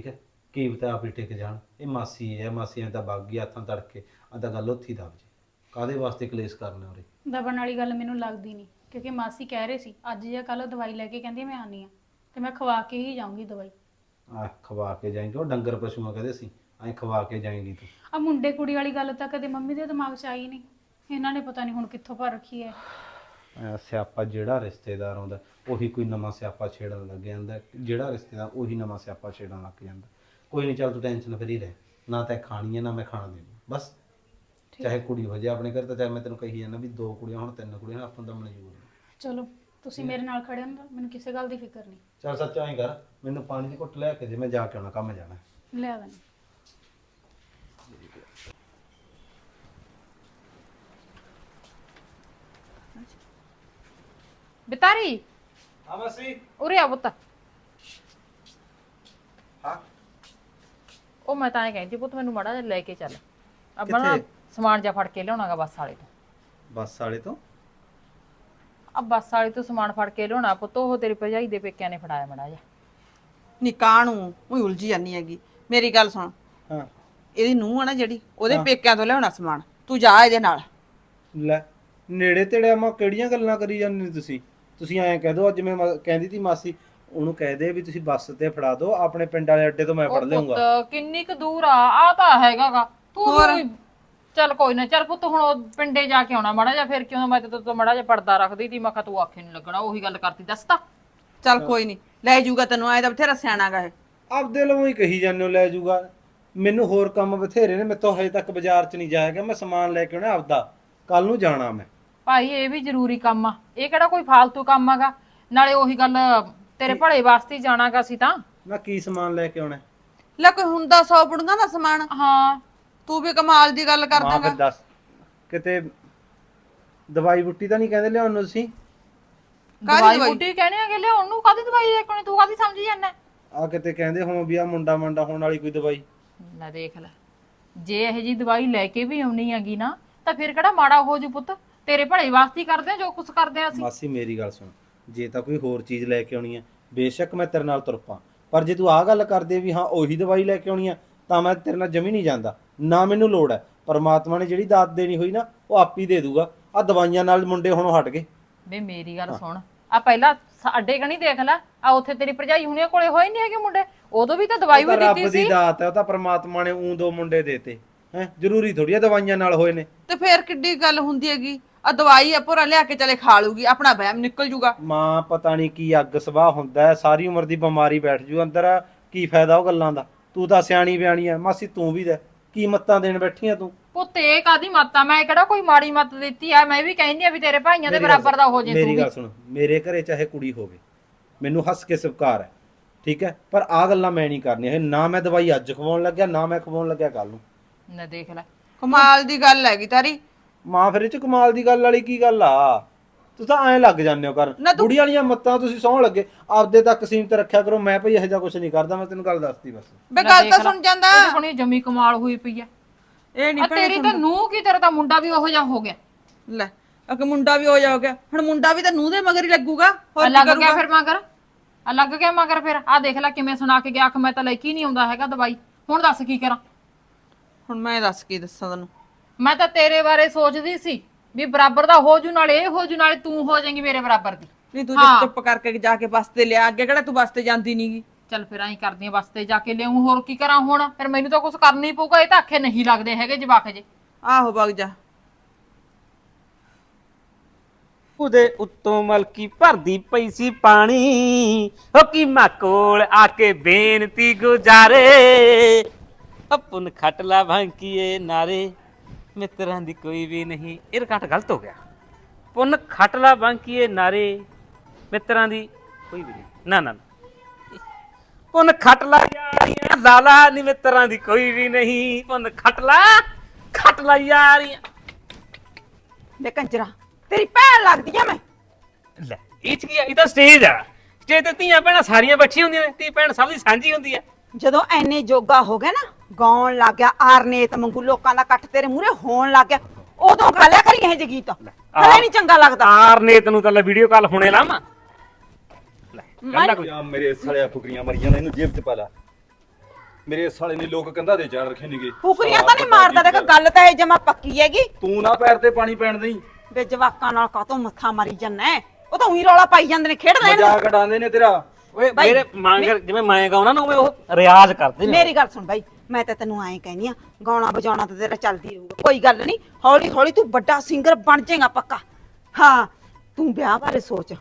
Speaker 7: ਕੀ ਪਤਾ ਆਪ ਹੀ ਟਿਕ ਜਾਣ। ਇਹ ਮਾਸੀ ਹੈ, ਮਾਸੀਆਂ ਤਾਂ ਵਗ ਗਈ ਹੱਥਾਂ ਤੜਕੇ, ਆ ਤਾਂ ਗੱਲ ਉੱਥੇ ਹੀ ਦਬ ਜੇ। ਕਾਦੇ ਵਾਸਤੇ ਕਲੇਸ਼ ਕਰਨਾ ਉਰੇ?
Speaker 3: ਦਬਣ ਵਾਲੀ ਗੱਲ ਮੈਨੂੰ ਲੱਗਦੀ ਨਹੀਂ, ਕਿਉਂਕਿ ਮਾਸੀ ਕਹਿ ਰਹੇ ਸੀ ਅੱਜ ਜਾਂ ਕੱਲ ਦਵਾਈ ਲੈ ਕੇ ਕਹਿੰਦੀ ਮੈਂ ਆਨੀ ਆ, ਤੇ ਮੈਂ ਖਵਾ ਕੇ ਹੀ ਜਾਊਂਗੀ ਦਵਾਈ।
Speaker 7: ਆ ਖਵਾ ਕੇ ਜਾਏਂਗੇ, ਉਹ ਡੰਗਰ ਪਸ਼ੂਆਂ ਕਹਦੇ ਸੀ, ਐਂ ਖਵਾ ਕੇ ਜਾਏਂਗੀ ਤੂੰ।
Speaker 3: ਆ ਮੁੰਡੇ ਕੁੜੀ ਵਾਲੀ ਗੱਲ ਤਾਂ ਕਦੇ ਮੰਮੀ ਦੇ ਦਿਮਾਗ 'ਚ ਆਈ ਨਹੀਂ, ਇਹਨਾਂ ਨੇ ਪਤਾ ਨਹੀਂ ਹੁਣ ਕਿੱਥੋਂ ਭਰ ਰੱਖੀ ਹੈ।
Speaker 7: ਸਿਆਪਾ ਜਿਹੜਾ ਰਿਸ਼ਤੇਦਾਰ ਆਉਂਦਾ ਉਹੀ ਕੋਈ ਨਵਾਂ ਸਿਆਪਾ ਛੇੜਨ ਲੱਗ ਜਾਂਦਾ, ਜਿਹੜਾ ਰਿਸ਼ਤੇਦਾਰ ਉਹੀ ਨਵਾਂ ਸਿਆਪਾ ਛੇੜਨ ਲੱਗ ਜਾਂਦਾ। ਕੋਈ ਨਹੀਂ, ਚੱਲ ਤੂੰ ਟੈਨਸ਼ਨ ਫਰੀ ਰਹਿ, ਨਾ ਤੈਂ ਖਾਣੀ ਹੈ ਨਾ ਮੈਂ ਖਾਣਾ ਦੇਣੀ, ਬਸ। ਚਾਹੇ ਕੁੜੀ ਹੋ ਜਾਏ ਆਪਣੇ ਘਰ, ਤਾਂ ਚਾਹੇ ਮੈਂ ਤੈਨੂੰ ਕਹੀ ਜਾਂਦਾ ਵੀ 2 ਕੁੜੀਆਂ ਹੁਣ 3 ਕੁੜੀਆਂ, ਆਪਾਂ ਤਾਂ ਮਨਜ਼ੂਰ ਨਹੀਂ।
Speaker 3: ਚਲੋ ਤੁਸੀਂ ਮੇਰੇ ਨਾਲ ਖੜੇ ਹੋ ਨਾ, ਮੈਨੂੰ ਕਿਸੇ ਗੱਲ ਦੀ ਫਿਕਰ ਨਹੀਂ।
Speaker 7: ਚੱਲ ਸੱਚ ਐਂ ਕਰ, ਮੈਨੂੰ ਪਾਣੀ ਦੀ ਘੁੱਟ ਲੈ ਕੇ ਦੇ, ਮੈਂ ਜਾ ਕੇ ਆਉਣਾ, ਕੰਮ ਜਾਣਾ।
Speaker 3: ਲਿਆ ਦਾਂ।
Speaker 1: ਬਿਤਾਰੀ
Speaker 7: ਹਾਂ ਮਾਸੀ।
Speaker 1: ਉਰੇ ਆ ਪੁੱਤ।
Speaker 7: ਹਾਂ
Speaker 1: ਉਹ ਮੈਂ ਤਾਂ ਇਹ ਕਹਿੰਦੀ ਪੁੱਤ ਮੈਨੂੰ ਮਾੜਾ ਜਿਹਾ ਲੈ ਕੇ ਚੱਲ, ਆਪਾਂ ਨਾ ਸਮਾਨ ਜਿਹਾ ਫੜ ਕੇ ਲਿਆਉਣਾਗਾ ਬੱਸ ਵਾਲੇ ਤੋਂ।
Speaker 7: ਬੱਸ ਵਾਲੇ ਤੋਂ?
Speaker 1: ਆ ਬੱਸ ਵਾਲੇ ਤੋਂ ਸਮਾਨ ਫੜ ਕੇ ਲਿਆਉਣਾ ਪੁੱਤ, ਉਹ ਤੇਰੀ ਭਰਜਾਈ ਦੇ ਪੇਕਿਆਂ ਨੇ ਫੜਾਇਆ ਮਾੜਾ ਜਿਹਾ।
Speaker 2: ਨਿਕਾਹ ਨੂੰ ਉਹੀ ਉਲਝੀ ਜਾਂਦੀ ਹੈਗੀ। ਮੇਰੀ ਗੱਲ ਸੁਣ,
Speaker 7: ਹਾਂ
Speaker 2: ਇਹਦੀ ਨੂੰਹ ਆ ਨਾ ਜਿਹੜੀ, ਉਹਦੇ ਪੇਕਿਆਂ ਤੋਂ ਲਿਆਉਣਾ ਸਮਾਨ, ਤੂੰ ਜਾ ਇਹਦੇ ਨਾਲ।
Speaker 7: ਲੈ ਨੇੜੇ ਤੇੜੇ ਮਾ ਕਿਹੜੀਆਂ ਗੱਲਾਂ ਕਰੀ ਜਾਂਦੇ ਨੇ ਤੁਸੀਂ ਐਂ ਕਹਿ ਦੋ, ਅੱਜ ਮੈਂ ਕਹਿੰਦੀ ਤੀ ਮਾਸੀ ਉਹਨੂੰ ਕਹਿ ਦੇ ਵੀ ਤੁਸੀਂ ਬੱਸ ਤੇ ਫੜਾ ਦਿਓ, ਆਪਣੇ ਪਿੰਡ ਵਾਲੇ ਅੱਡੇ ਤੋਂ ਮੈਂ ਫੜ ਲਿਆਉਂਗਾ।
Speaker 1: ਪੁੱਤ ਕਿੰਨੀ ਕੁ ਦੂਰ ਆ ਤਾਂ ਹੈਗਾਗਾ ਤੂੰ ਵੀ ਚੱਲ ਕੋਈ ਨਾ। ਚੱਲ ਪੁੱਤ ਹੁਣ ਉਹ ਪਿੰਡੇ ਜਾ ਕੇ ਆਉਣਾ ਮਾੜਾ ਜਿਹਾ, ਫਿਰ ਕਿਉਂ ਮੈਂ ਤੇ ਤੋਂ ਮਾੜਾ ਜਿਹਾ ਪਰਦਾ ਰੱਖਦੀ ਤੀ, ਮੈਂ ਕਿਹਾ ਤੂੰ ਆਖੇ ਨਹੀਂ ਲੱਗਣਾ, ਉਹੀ ਗੱਲ ਕਰਤੀ ਦੱਸਤਾ।
Speaker 2: ਚੱਲ ਕੋਈ ਨਹੀਂ, ਲੈ ਜਾਊਗਾ ਤੈਨੂੰ, ਆਏ ਦਾ ਬਥੇਰਾ ਸਿਆਣਾਗਾ ਇਹ।
Speaker 7: ਆਪਦੇ ਲਵੋਂ ਹੀ ਕਹੀ ਜਾਂਦੇ ਹੋ ਲੈ ਜਾਊਗਾ, ਮੈਨੂੰ ਹੋਰ ਕੰਮ ਬਥੇਰੇ ਨੇ, ਮੈਥੋਂ ਹਜੇ ਤੱਕ ਬਾਜ਼ਾਰ 'ਚ ਨਹੀਂ ਜਾਇਆ ਗਿਆ, ਮੈਂ ਸਮਾਨ ਲੈ ਕੇ ਆਉਣਾ ਆਪਦਾ, ਕੱਲ ਨੂੰ ਜਾਣਾ ਮੈਂ।
Speaker 1: ਭਾਈ ਇਹ ਵੀ ਜ਼ਰੂਰੀ ਕੰਮ ਆ, ਇਹ ਕਿਹੜਾ ਕੋਈ ਫਾਲਤੂ ਕੰਮ ਆਗਾ, ਨਾਲੇ ਉਹੀ ਗੱਲ ਤੇਰੇ ਭਲੇ ਵਾਸਤੇ ਹੀ ਜਾਣਾਗਾ ਸੀ ਤਾਂ।
Speaker 7: ਮੈਂ ਕੀ ਸਮਾਨ ਲੈ ਕੇ ਆਉਣਾ?
Speaker 2: ਲੈ ਕੋਈ ਹੁੰਦਾ 100 ਬੁੜੀਆਂ ਦਾ ਸਮਾਨ,
Speaker 1: ਹਾਂ
Speaker 2: ਤੂੰ ਵੀ ਕਮਾਲ ਦੀ ਗੱਲ ਕਰ
Speaker 7: ਮਾਂ ਫਿਰ
Speaker 2: ਦਾਂਗਾ।
Speaker 7: ਦੱਸ, ਕਿਤੇ ਦਵਾਈ ਬੁੱਟੀ ਤਾਂ ਨਹੀਂ ਕਹਿੰਦੇ ਲਿਆਉਣ ਨੂੰ ਤੁਸੀਂ?
Speaker 1: ਦਵਾਈ ਬੂਟੀ ਕਹਿਣੇ ਆਗੇ ਲਿਆਉਣ ਨੂੰ, ਕਾਹਦੀ ਦਵਾਈ ਦੇਖਣੀ, ਤੂੰ ਕਾਹਦੀ ਸਮਝੀ ਜਾਂਦਾ?
Speaker 7: ਆ ਕਿਤੇ ਕਹਿੰਦੇ ਹੋਂ ਵੀ ਆ ਮੁੰਡਾ ਮੰਡਾ ਹੋਣ ਵਾਲੀ ਕੋਈ ਦਵਾਈ?
Speaker 1: ਲੈ ਦੇਖ ਲੈ, ਜੇ ਇਹ ਜੀ ਦਵਾਈ ਲੈ ਕੇ ਵੀ ਆਉਣੀ ਹੈਗੀ ਨਾ, ਤਾਂ ਫਿਰ ਕਿਹੜਾ ਮਾੜਾ ਹੋ ਜੂ ਪੁੱਤ, ਤੇਰੇ ਭਲੇ ਵਾਸਤੇ ਹੀ ਕਰਦੇ ਆ ਜੋ ਕੁਝ ਕਰਦੇ ਆ ਅਸੀਂ।
Speaker 7: ਮਾਸੀ ਮੇਰੀ ਗੱਲ ਸੁਣ, ਜੇ ਤਾਂ ਕੋਈ ਹੋਰ ਚੀਜ਼ ਲੈ ਕੇ ਆਉਣੀ ਹੈ ਬੇਸ਼ੱਕ ਮੈਂ ਤੇਰੇ ਨਾਲ ਤੁਰ ਪਾਂ, ਪਰ ਜੇ ਤੂੰ ਆਹ ਗੱਲ ਕਰਦੇ ਵੀ ਹਾਂ ਉਹੀ ਦਵਾਈ ਲੈ ਕੇ ਆਉਣੀ ਆ, ਤਾਂ ਮੈਂ ਤੇਰੇ ਨਾਲ ਜਮੀ ਨਹੀਂ ਜਾਂਦਾ, ਨਾ ਮੈਨੂੰ ਲੋੜ ਹੈ। ਪਰਮਾਤਮਾ ਨੇ ਜਿਹੜੀ ਦਾਤ ਦੇਣੀ ਹੋਈ ਨਾ ਉਹ ਆਪ ਹੀ ਦੇ ਦੂਗਾ। ਆ ਦਵਾਈਆਂ ਨਾਲ ਮੁੰਡੇ ਹੁਣ ਹਟ ਗਏ।
Speaker 1: ਵੇ ਮੇਰੀ ਗੱਲ ਸੁਣ, ਆ ਪਹਿਲਾਂ ਸਾਡੇ ਕਣੀ ਦੇਖ ਲੈ, ਆ ਉੱਥੇ ਤੇਰੀ ਭਰਜਾਈ ਹੁਣੀਆਂ ਕੋਲੇ ਹੋਏ ਨਹੀਂ ਹੈਗੇ ਮੁੰਡੇ, ਉਦੋਂ ਵੀ ਤਾਂ ਦਵਾਈ ਵੀ ਦਿੱਤੀ
Speaker 7: ਰੱਬ
Speaker 1: ਸੀ।
Speaker 7: ਦੀ ਦਾਤ ਹੈ, ਉਹ ਤਾਂ ਪਰਮਾਤਮਾ ਨੇ ਊਂ 2 ਮੁੰਡੇ ਦੇਤੇ ਹੈ, ਜ਼ਰੂਰੀ ਥੋੜੀ ਆ ਦਵਾਈਆਂ ਨਾਲ ਹੋਏ ਨੇ।
Speaker 2: ਤੇ ਫੇਰ ਕਿੱਡੀ ਗੱਲ ਹੁੰਦੀ ਹੈਗੀ, ਆ ਦਵਾਈ ਆ ਭੋਰਾ ਲਿਆ ਕੇ ਚਲੇ ਖਾ ਲੂਗੀ, ਆਪਣਾ ਵਹਿਮ ਨਿਕਲ ਜੂਗਾ।
Speaker 7: ਮਾਂ ਪਤਾ ਨਹੀਂ ਕੀ ਅੱਗ ਸਵਾਹ ਹੁੰਦਾ ਹੈ, ਸਾਰੀ ਉਮਰ ਦੀ ਬਿਮਾਰੀ ਬੈਠ ਜੂ ਅੰਦਰ, ਕੀ ਫਾਇਦਾ ਉਹ ਗੱਲਾਂ ਦਾ। ਤੂੰ ਤਾਂ ਸਿਆਣੀ ਬਿਆਣੀ ਆ ਮਾਸੀ, ਤੂੰ ਵੀ ਦੇ ਕੀ ਮੱਤਾਂ ਦੇਣ ਬੈਠੀ ਆ ਤੂੰ?
Speaker 1: ਪੁੱਤ ਇਹ ਕਾਦੀ ਮੱਤ ਆ, ਮੈਂ ਕਿਹੜਾ ਕੋਈ ਮਾੜੀ ਮੱਤ ਦਿੱਤੀ ਆ, ਮੈਂ ਵੀ ਕਹਿੰਦੀ ਆ ਵੀ ਤੇਰੇ ਭਾਈਆਂ ਦੇ ਬਰਾਬਰ ਦਾ ਹੋ ਜੇ ਤੂੰ
Speaker 7: ਮੇਰੀ
Speaker 1: ਵੀ।
Speaker 7: ਗੱਲ ਸੁਣ, ਮੇਰੇ ਘਰੇ ਚਾਹੇ ਕੁੜੀ ਹੋਵੇ, ਮੈਨੂੰ ਹੱਸ ਕੇ ਸਵੀਕਾਰ ਹੈ, ਠੀਕ ਹੈ, ਪਰ ਆ ਗੱਲਾਂ ਮੈਂ ਨਹੀਂ ਕਰਨੀਆਂ। ਨਾ ਮੈਂ ਦਵਾਈ ਅੱਜ ਖਵਾਉਣ ਲੱਗਿਆ, ਨਾ ਮੈਂ ਖਵਾਉਣ ਲੱਗਿਆ ਕੱਲ ਨੂੰ।
Speaker 1: ਨਾ ਦੇਖ ਲੈ,
Speaker 2: ਕਮਾਲ ਦੀ ਗੱਲ ਹੈਗੀ ਤਾਰੀ।
Speaker 7: ਮਾਂ ਫਿਰ ਇਹ ਚ ਕਮਾਲ ਦੀ ਗੱਲ ਵਾਲੀ ਕੀ ਗੱਲ ਆ? ਤੂੰ ਤਾਂ ਐਂ ਲੱਗ ਜਾਂਦੇ ਹੋ ਕਰਨ, ਬੁੜੀ ਵਾਲੀਆਂ ਮੱਤਾਂ ਤੁਸੀਂ ਸੌਣ ਲੱਗੇ, ਆਪਦੇ ਤੱਕ ਸੀਮਤ ਰੱਖਿਆ ਕਰੋ। ਮੈਂ ਭਈ ਇਹੋ ਜਿਹਾ ਕੁਝ ਨਹੀਂ ਕਰਦਾ, ਮੈਂ ਤੈਨੂੰ ਗੱਲ ਦੱਸਤੀ ਬਸ।
Speaker 2: ਬੇ ਗੱਲ ਤਾਂ ਸੁਣ ਜਾਂਦਾ,
Speaker 1: ਇਹ ਹੁਣੀ ਜਮੀ ਕਮਾਲ ਹੋਈ ਪਈ ਆ।
Speaker 2: ਇਹ ਨਹੀਂ
Speaker 1: ਆ ਤੇਰੀ ਤਾਂ ਨੂੰਹ ਕੀ, ਤੇਰਾ ਤਾਂ ਮੁੰਡਾ ਵੀ ਉਹੋ ਜਿਹਾ ਹੋ ਗਿਆ।
Speaker 2: ਲੈ ਅਕ ਮੁੰਡਾ ਵੀ ਹੋ ਜਾਓਗਾ, ਹੁਣ ਮੁੰਡਾ ਵੀ ਤਾਂ ਨੂੰਹ ਦੇ ਮਗਰ ਹੀ ਲੱਗੂਗਾ, ਹੋਰ ਕੀ
Speaker 1: ਲੱਗ ਗਿਆ
Speaker 2: ਕਰੂਗਾ?
Speaker 1: ਫਿਰ ਮਗਰ, ਆ ਲੱਗ ਗਿਆ ਮਗਰ ਫਿਰ। ਆ ਦੇਖ ਲੈ ਕਿਵੇਂ ਸੁਣਾ ਕੇ ਗਿਆ, ਆਖ ਮੈਂ ਤਾਂ ਲੈ ਕੇ ਨਹੀਂ ਆਉਂਦਾ ਹੈਗਾ ਦਵਾਈ। ਹੁਣ ਦੱਸ ਕੀ ਕਰਾਂ?
Speaker 2: ਹੁਣ ਮੈਂ ਦੱਸ ਕੀ ਦੱਸਾਂ ਤੈਨੂੰ?
Speaker 1: ਮੈਂ ਤਾਂ ਤੇਰੇ ਬਾਰੇ ਸੋਚਦੀ ਸੀ ਵੀ ਬਰਾਬਰ ਦਾ ਹੋ ਜੂ, ਨਾਲੇ ਇਹ ਹੋ ਜੂ, ਨਾਲੇ ਤੂੰ ਹੋ ਜਾਏਂਗੀ ਮੇਰੇ ਬਰਾਬਰ ਦੀ।
Speaker 2: ਨਹੀਂ ਤੂੰ ਜੇ ਚੁੱਪ ਕਰਕੇ ਜਾ ਕੇ ਬੱਸ ਤੇ ਲਿਆ, ਅੱਗੇ ਕਿਹੜਾ ਤੂੰ ਬੱਸ ਤੇ ਜਾਂਦੀ ਨਹੀਂਗੀ।
Speaker 1: ਚੱਲ ਫਿਰ ਐਂ ਕਰਦੀ ਆ, ਬੱਸ ਤੇ ਜਾ ਕੇ ਲਿਆਉਂ, ਹੋਰ ਕੀ ਕਰਾਂ ਹੁਣ? ਫਿਰ ਮੈਨੂੰ ਤਾਂ ਕੁਝ ਕਰਨਾ ਹੀ ਪਊਗਾ, ਇਹ ਤਾਂ ਆਖੇ ਨਹੀਂ ਲੱਗਦੇ ਹੈਗੇ ਜਵਾਕ ਜੇ।
Speaker 2: ਆਹੋ ਵਗ ਜਾ।
Speaker 6: ਉਹਦੇ ਉੱਤੋਂ ਮਲਕੀ ਭਰਦੀ ਪਈ ਸੀ ਪਾਣੀ, ਹੋ ਕੀ ਮਾਂ ਕੋਲ ਆ ਕੇ ਬੇਨਤੀ ਗੁਜ਼ਾਰੇ, ਪੁੰਨ ਖੱਟ ਲਾ ਭਾਂਕੀਏ ਨਾਰੇ, ਮਿੱਤਰਾਂ ਦੀ ਕੋਈ ਵੀ ਨਹੀਂ। ਇਹ ਰਿਕਾਰਡ ਗਲਤ ਹੋ ਗਿਆ। ਪੁੰਨ ਖੱਟ ਲਾ ਭਾਂਕੀਏ ਨਾਰੇ, ਮਿੱਤਰਾਂ ਦੀ ਕੋਈ ਵੀ ਨਹੀਂ। ਨਾ ਨਾ ਪੁੰਨ ਖੱਟ ਲਾ ਯਾਰੀਆਂ, ਲਾਲਾ ਨੀ ਮਿੱਤਰਾਂ ਦੀ ਕੋਈ ਵੀ ਨਹੀਂ। ਪੁੰਨ ਖੱਟ ਲਾ ਯਾਰੀਆਂ।
Speaker 5: ਲੈ ਕੰਜਰਾ, ਤੇਰੀ ਭੈਣ ਲੱਗਦੀ ਆ ਮੈਂ।
Speaker 6: ਲੈ ਇਹ ਚ ਕੀ ਆ? ਇਹ ਤਾਂ ਸਟੇਜ ਆ, ਸਟੇਜ ਤੇ ਧੀਆਂ ਭੈਣਾਂ ਸਾਰੀਆਂ ਬੈਠੀਆਂ ਹੁੰਦੀਆਂ ਨੇ, ਧੀ ਭੈਣ ਸਭ ਦੀ ਸਾਂਝੀ ਹੁੰਦੀ ਆ।
Speaker 5: ਜਦੋਂ ਐਨੇ ਜੋਗਾ ਹੋ ਗਿਆ ਨਾ, ਗਾਉਣ ਲੱਗ ਗਿਆ ਆਰਨੇਤ ਵਾਂਗੂ, ਲੋਕਾਂ ਦਾ ਇਕੱਠ ਤੇਰੇ ਮੂਹਰੇ ਹੋਣ ਲੱਗ ਗਿਆ, ਉਦੋਂ ਗਾ ਲਿਆ ਕਰੀ ਇਹ ਜਿਹੇ ਗੀਤ। ਹਲੇ ਨਹੀਂ ਚੰਗਾ ਲੱਗਦਾ।
Speaker 6: ਆਰਨੇਤ ਨੂੰ ਤਾਂ ਲੈ ਵੀਡੀਓ ਕਾਲ ਹੁਣੇ ਲਾਵਾਂ। ਲੈ ਗੱਲ ਕੋਈ
Speaker 4: ਆ ਮੇਰੇ ਸੜਿਆ ਫੁਕਰੀਆਂ ਮਰੀਆਂ ਨੇ, ਇਹਨੂੰ ਜੇਬ 'ਚ ਪਾ ਲਾ। ਮੇਰੇ ਸਾਲੇ ਨੇ ਲੋਕ ਕੰਧਾਂ ਦੇ ਚਾੜ ਰੱਖੇ ਨੇਗੇ।
Speaker 5: ਫੁਕਰੀਆਂ ਤਾਂ ਨਹੀਂ ਮਾਰਦਾ, ਦੇਖ ਗੱਲ ਤਾਂ ਇਹ ਜਮਾ ਪੱਕੀ ਹੈਗੀ।
Speaker 4: ਤੂੰ ਨਾ ਪੈਰ ਤੇ ਪਾਣੀ ਪੈਣ ਦੇਈ।
Speaker 5: ਵੇ ਜਵਾਕਾਂ ਨਾਲ ਕਾਤੋਂ ਮੱਥਾ ਮਾਰੀ ਜਾਂਦਾ ਹੈ? ਉਹ ਤਾਂ ਉਹੀ ਰੌਲਾ ਪਾਈ ਜਾਂਦੇ ਨੇ, ਖੇਡ ਲੈਣ ਦੇ।
Speaker 4: ਮਜ਼ਾਕ ਉਡਾਉਂਦੇ ਨੇ ਤੇਰਾ।
Speaker 6: ਓਏ
Speaker 5: ਬਾਈ,
Speaker 6: ਮੇਰੇ ਮੰਗਰ ਜਿਵੇਂ ਮੈਂ ਗਾਉਣਾ ਨਾ ਉਵੇਂ ਉਹ ਰਿਆਜ਼ ਕਰਦੇ ਨੇ।
Speaker 5: ਮੇਰੀ ਗੱਲ ਸੁਣ ਬਾਈ, ਮੈਂ ਤਾਂ ਤੈਨੂੰ ਐਂ ਕਹਿੰਦੀ ਆ, ਗਾਉਣਾ ਵਜਾਉਣਾ ਤਾਂ ਤੇਰਾ ਚੱਲਦੀ ਰਹੂਗਾ, ਕੋਈ ਗੱਲ ਨਹੀਂ। ਹੌਲੀ ਹੌਲੀ ਤੂੰ ਵੱਡਾ ਸਿੰਗਰ ਬਣ ਜਾਏਗਾ ਪੱਕਾ। ਹਾਂ, ਤੂੰ ਵਿਆਹ ਬਾਰੇ ਸੋਚ।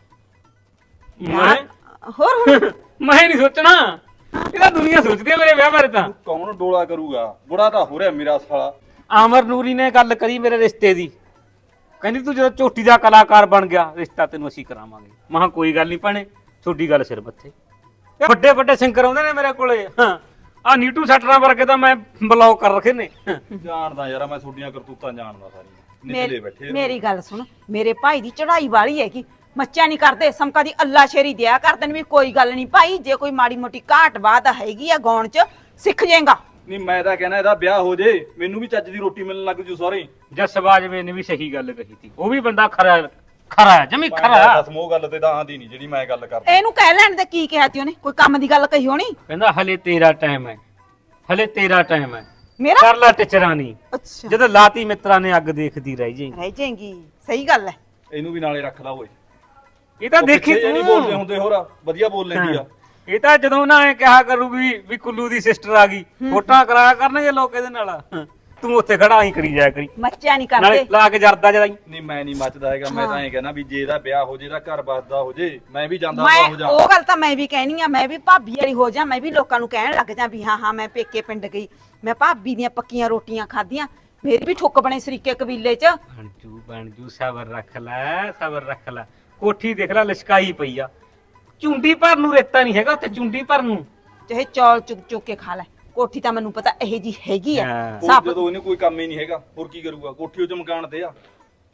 Speaker 6: ਮੈਂ
Speaker 5: ਹੋਰ ਹੁਣ
Speaker 6: ਮੈਂ ਨਹੀਂ ਸੋਚਣਾ, ਇਹਦਾ ਦੁਨੀਆ ਸੋਚਦੀ ਹੈ ਮੇਰੇ ਵਿਆਹ ਬਾਰੇ। ਤਾਂ
Speaker 4: ਕੌਣ ਡੋਲਾ ਕਰੂਗਾ? ਬੁੜਾ ਤਾਂ ਹੋ ਰਿਹਾ ਮੇਰਾ ਸਾਲਾ।
Speaker 6: ਆਮਰ ਨੂਰੀ ਨੇ ਗੱਲ ਕਰੀ ਮੇਰੇ ਰਿਸ਼ਤੇ ਦੀ, ਕਹਿੰਦੀ ਤੂੰ ਜਦੋਂ ਝੋਟੀ ਦਾ ਕਲਾਕਾਰ ਬਣ ਗਿਆ ਰਿਸ਼ਤਾ ਤੈਨੂੰ ਅਸੀਂ ਕਰਾਵਾਂਗੇ। ਮੈਂ ਕਿਹਾ ਕੋਈ ਗੱਲ ਨਹੀਂ ਭੈਣੇ, ਛੋਟੀ ਗੱਲ ਸਿਰ ਮੱਥੇ। ਵੱਡੇ ਵੱਡੇ ਸਿੰਗਰ ਆਉਂਦੇ ਨੇ ਮੇਰੇ ਕੋਲੇ। ਹਾਂ, ਆ ਨੀਟੂ ਸੱਟਰਾਂ ਵਰਗੇ ਤਾਂ ਮੈਂ ਬਲੌਕ ਕਰ ਰੱਖੇ ਨੇ।
Speaker 4: ਜਾਣਦਾ ਯਾਰ, ਮੈਂ ਤੁਹਾਡੀਆਂ ਕਰਤੂਤਾਂ ਜਾਣਦਾ ਸਾਰੀਆਂ। ਨਿਕਲੇ ਬੈਠੇ
Speaker 5: ਮੇਰੀ ਗੱਲ ਸੁਣ, ਮੇਰੇ ਭਾਈ ਦੀ ਚੜਾਈ ਵਾਲੀ ਹੈ ਕਿ ਮੱਚਾ ਨਹੀਂ ਕਰਦੇ, ਸਮਕਾ ਦੀ ਅੱਲਾ ਸ਼ੇਰੀ ਦਿਆ ਕਰਦੇ ਨੇ ਵੀ ਕੋਈ ਗੱਲ ਨਹੀਂ ਭਾਈ, ਜੇ ਕੋਈ ਮਾੜੀ ਮੋਟੀ ਘਾਟ ਬਾਤ ਹੈਗੀ ਆ ਗਾਉਣ ਚ ਸਿੱਖ ਜਾਏਗਾ।
Speaker 4: ਨਹੀਂ ਮੈਂ ਤਾਂ ਕਹਿਣਾ ਇਹਦਾ ਵਿਆਹ ਹੋ ਜੇ, ਮੈਨੂੰ ਵੀ ਚੱਜ ਦੀ ਰੋਟੀ ਮਿਲਣ ਲੱਗ ਜੂ ਸਾਰੇ।
Speaker 6: ਜਸਬਾਜਵੇ ਨੇ ਵੀ ਸਹੀ ਗੱਲ ਕਹੀ ਸੀ, ਉਹ ਵੀ ਬੰਦਾ ਖਰਾ ਹੈ ਜਮੀ ਖਰਾ।
Speaker 4: ਬਸ ਮੋਹ ਗੱਲ ਤੇ ਤਾਂ ਆਂਦੀ ਨਹੀਂ ਜਿਹੜੀ ਮੈਂ ਗੱਲ ਕਰਦਾ।
Speaker 5: ਇਹਨੂੰ ਕਹਿ ਲੈਣ ਦੇ, ਕੀ ਕਿਹਾ ਤੀ ਉਹਨੇ? ਕੋਈ ਕੰਮ ਦੀ ਗੱਲ ਕਹੀ ਹੋਣੀ।
Speaker 6: ਕਹਿੰਦਾ ਹਲੇ ਤੇਰਾ ਟਾਈਮ ਹੈ, ਹਲੇ ਤੇਰਾ ਟਾਈਮ ਹੈ,
Speaker 5: ਮੇਰਾ
Speaker 6: ਕਰ ਲੈ ਟਿਚਰਾਂ ਨਹੀਂ।
Speaker 5: ਅੱਛਾ,
Speaker 6: ਜਦੋਂ ਲਾਤੀ ਮਿੱਤਰਾਂ ਨੇ ਅੱਗ ਦੇਖਦੀ ਰਹਿ ਜਾਏਗੀ।
Speaker 5: ਰਹਿ ਜਾਏਗੀ, ਸਹੀ ਗੱਲ ਹੈ।
Speaker 4: ਇਹਨੂੰ ਵੀ ਨਾਲੇ ਰੱਖ ਲਾ ਓਏ।
Speaker 6: ਇਹ ਤਾਂ ਦੇਖੀ
Speaker 4: ਪਿੱਛੇ ਨਹੀਂ ਬੋਲਦੇ
Speaker 6: ਤੂੰ,
Speaker 4: ਹੁੰਦੇ, ਹੋਰ ਵਧੀਆ ਬੋਲ ਲੈਂਦੀ ਆ।
Speaker 6: ਇਹ ਤਾਂ ਜਦੋਂ ਨਾ ਇਹ ਕਿਹਾ ਕਰੂਗੀ ਵੀ ਕੁੱਲੂ ਦੀ ਸਿਸਟਰ ਆ ਗਈ, ਫੋਟਾਂ ਕਰਾਇਆ ਕਰਨਗੇ ਲੋਕ ਇਹਦੇ ਨਾਲ। ਤੂੰ ਉੱਥੇ ਖੜਾ ਹੀ ਕਰੀ ਜਾਇਆ ਕਰੀ,
Speaker 5: ਮੱਚਾ ਨਹੀਂ
Speaker 6: ਨਾਲੇ
Speaker 5: ਕਰਦੇ।
Speaker 6: ਲਾ ਕੇ ਜਰਦਾ ਜਦਾਈ।
Speaker 4: ਨਹੀਂ ਮੈਂ ਨਹੀਂ ਮੱਚਦਾ ਹੈਗਾ, ਮੈਂ ਤਾਂ ਐਂ ਕਹਿਣਾ ਵੀ ਜੇ ਇਹਦਾ ਵਿਆਹ ਹੋ ਜੇ, ਇਹਦਾ ਘਰ ਬਸਦਾ ਹੋ ਜੇ, ਮੈਂ ਵੀ ਜਾਂਦਾ ਹੋ
Speaker 5: ਮੈਂ
Speaker 4: ਜਾ।
Speaker 5: ਉਹ ਗੱਲ ਤਾਂ ਮੈਂ ਵੀ ਕਹਿਣੀ ਆ, ਮੈਂ ਵੀ ਭਾਬੀ ਵਾਲੀ ਹੋ ਜਾ, ਮੈਂ ਵੀ ਲੋਕਾਂ ਨੂੰ ਕਹਿਣ ਲੱਗ ਜਾ ਵੀ ਹਾਂ ਹਾਂ ਮੈਂ ਪੇਕੇ ਪਿੰਡ ਗਈ, ਮੈਂ ਭਾਬੀ ਦੀਆਂ ਪੱਕੀਆਂ ਰੋਟੀਆਂ ਖਾਧੀਆਂ, ਮੇਰੀ ਵੀ ਠੁੱਕ ਬਣੇ ਸਰੀਕੇ ਕਬੀਲੇ 'ਚ।
Speaker 6: ਬਣ ਜੂ ਸਬਰ ਰੱਖ ਲੈ, ਸਬਰ ਰੱਖ ਲੈ। ਕੋਠੀ ਦੇਖ ਲੈ ਲਿਸ਼ਕਾਈ ਪਈ ਆ, ਚੁੰਡੀ ਭਰ ਨੂੰ ਰੇਤਾ ਨਹੀਂ ਹੈਗਾ ਉੱਥੇ, ਚੁੰਡੀ ਭਰ ਨੂੰ।
Speaker 5: ਚਾਹੇ ਚੌਲ ਚੁੱਕ ਚੁੱਕ ਕੇ ਖਾ ਲੈ, ਕੋਠੀ ਤਾਂ ਮੈਨੂੰ ਪਤਾ ਇਹੋ ਜੀ ਹੈਗੀ ਆ।
Speaker 6: ਹਾਂ।
Speaker 4: ਉਹ
Speaker 5: ਸਭ
Speaker 4: ਜਦੋਂ ਇਹਨੇ ਕੋਈ ਕੰਮ ਹੀ ਨਹੀਂ ਹੈਗਾ, ਹੋਰ ਕੀ ਕਰੂਗਾ? ਕੋਠੀ ਉਹ ਚ ਮਕਾਨ ਤੇ ਆ।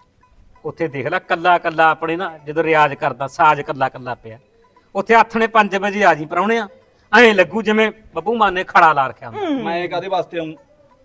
Speaker 6: ਉੱਥੇ ਦੇਖ ਲੈ ਕੱਲਾ ਕੱਲਾ ਆਪਣੇ ਨਾ ਜਦੋਂ ਰਿਆਜ਼ ਕਰਦਾ ਸਾਜ਼ ਕੱਲਾ ਕੱਲਾ ਪਿਆ। ਉੱਥੇ ਆਥਣੇ 5 ਵਜੇ ਆ ਜੀ ਪਰਾਉਣਿਆ, ਐਂ ਲੱਗੂ ਜਿਵੇਂ ਬੱਬੂ ਮਾਨ ਨੇ ਖੜਾ ਲਾ ਰੱਖਿਆ ਹੁੰਦਾ।
Speaker 4: ਮੈਂ ਕਾਦੇ ਵਾਸਤੇ ਆਉਂ?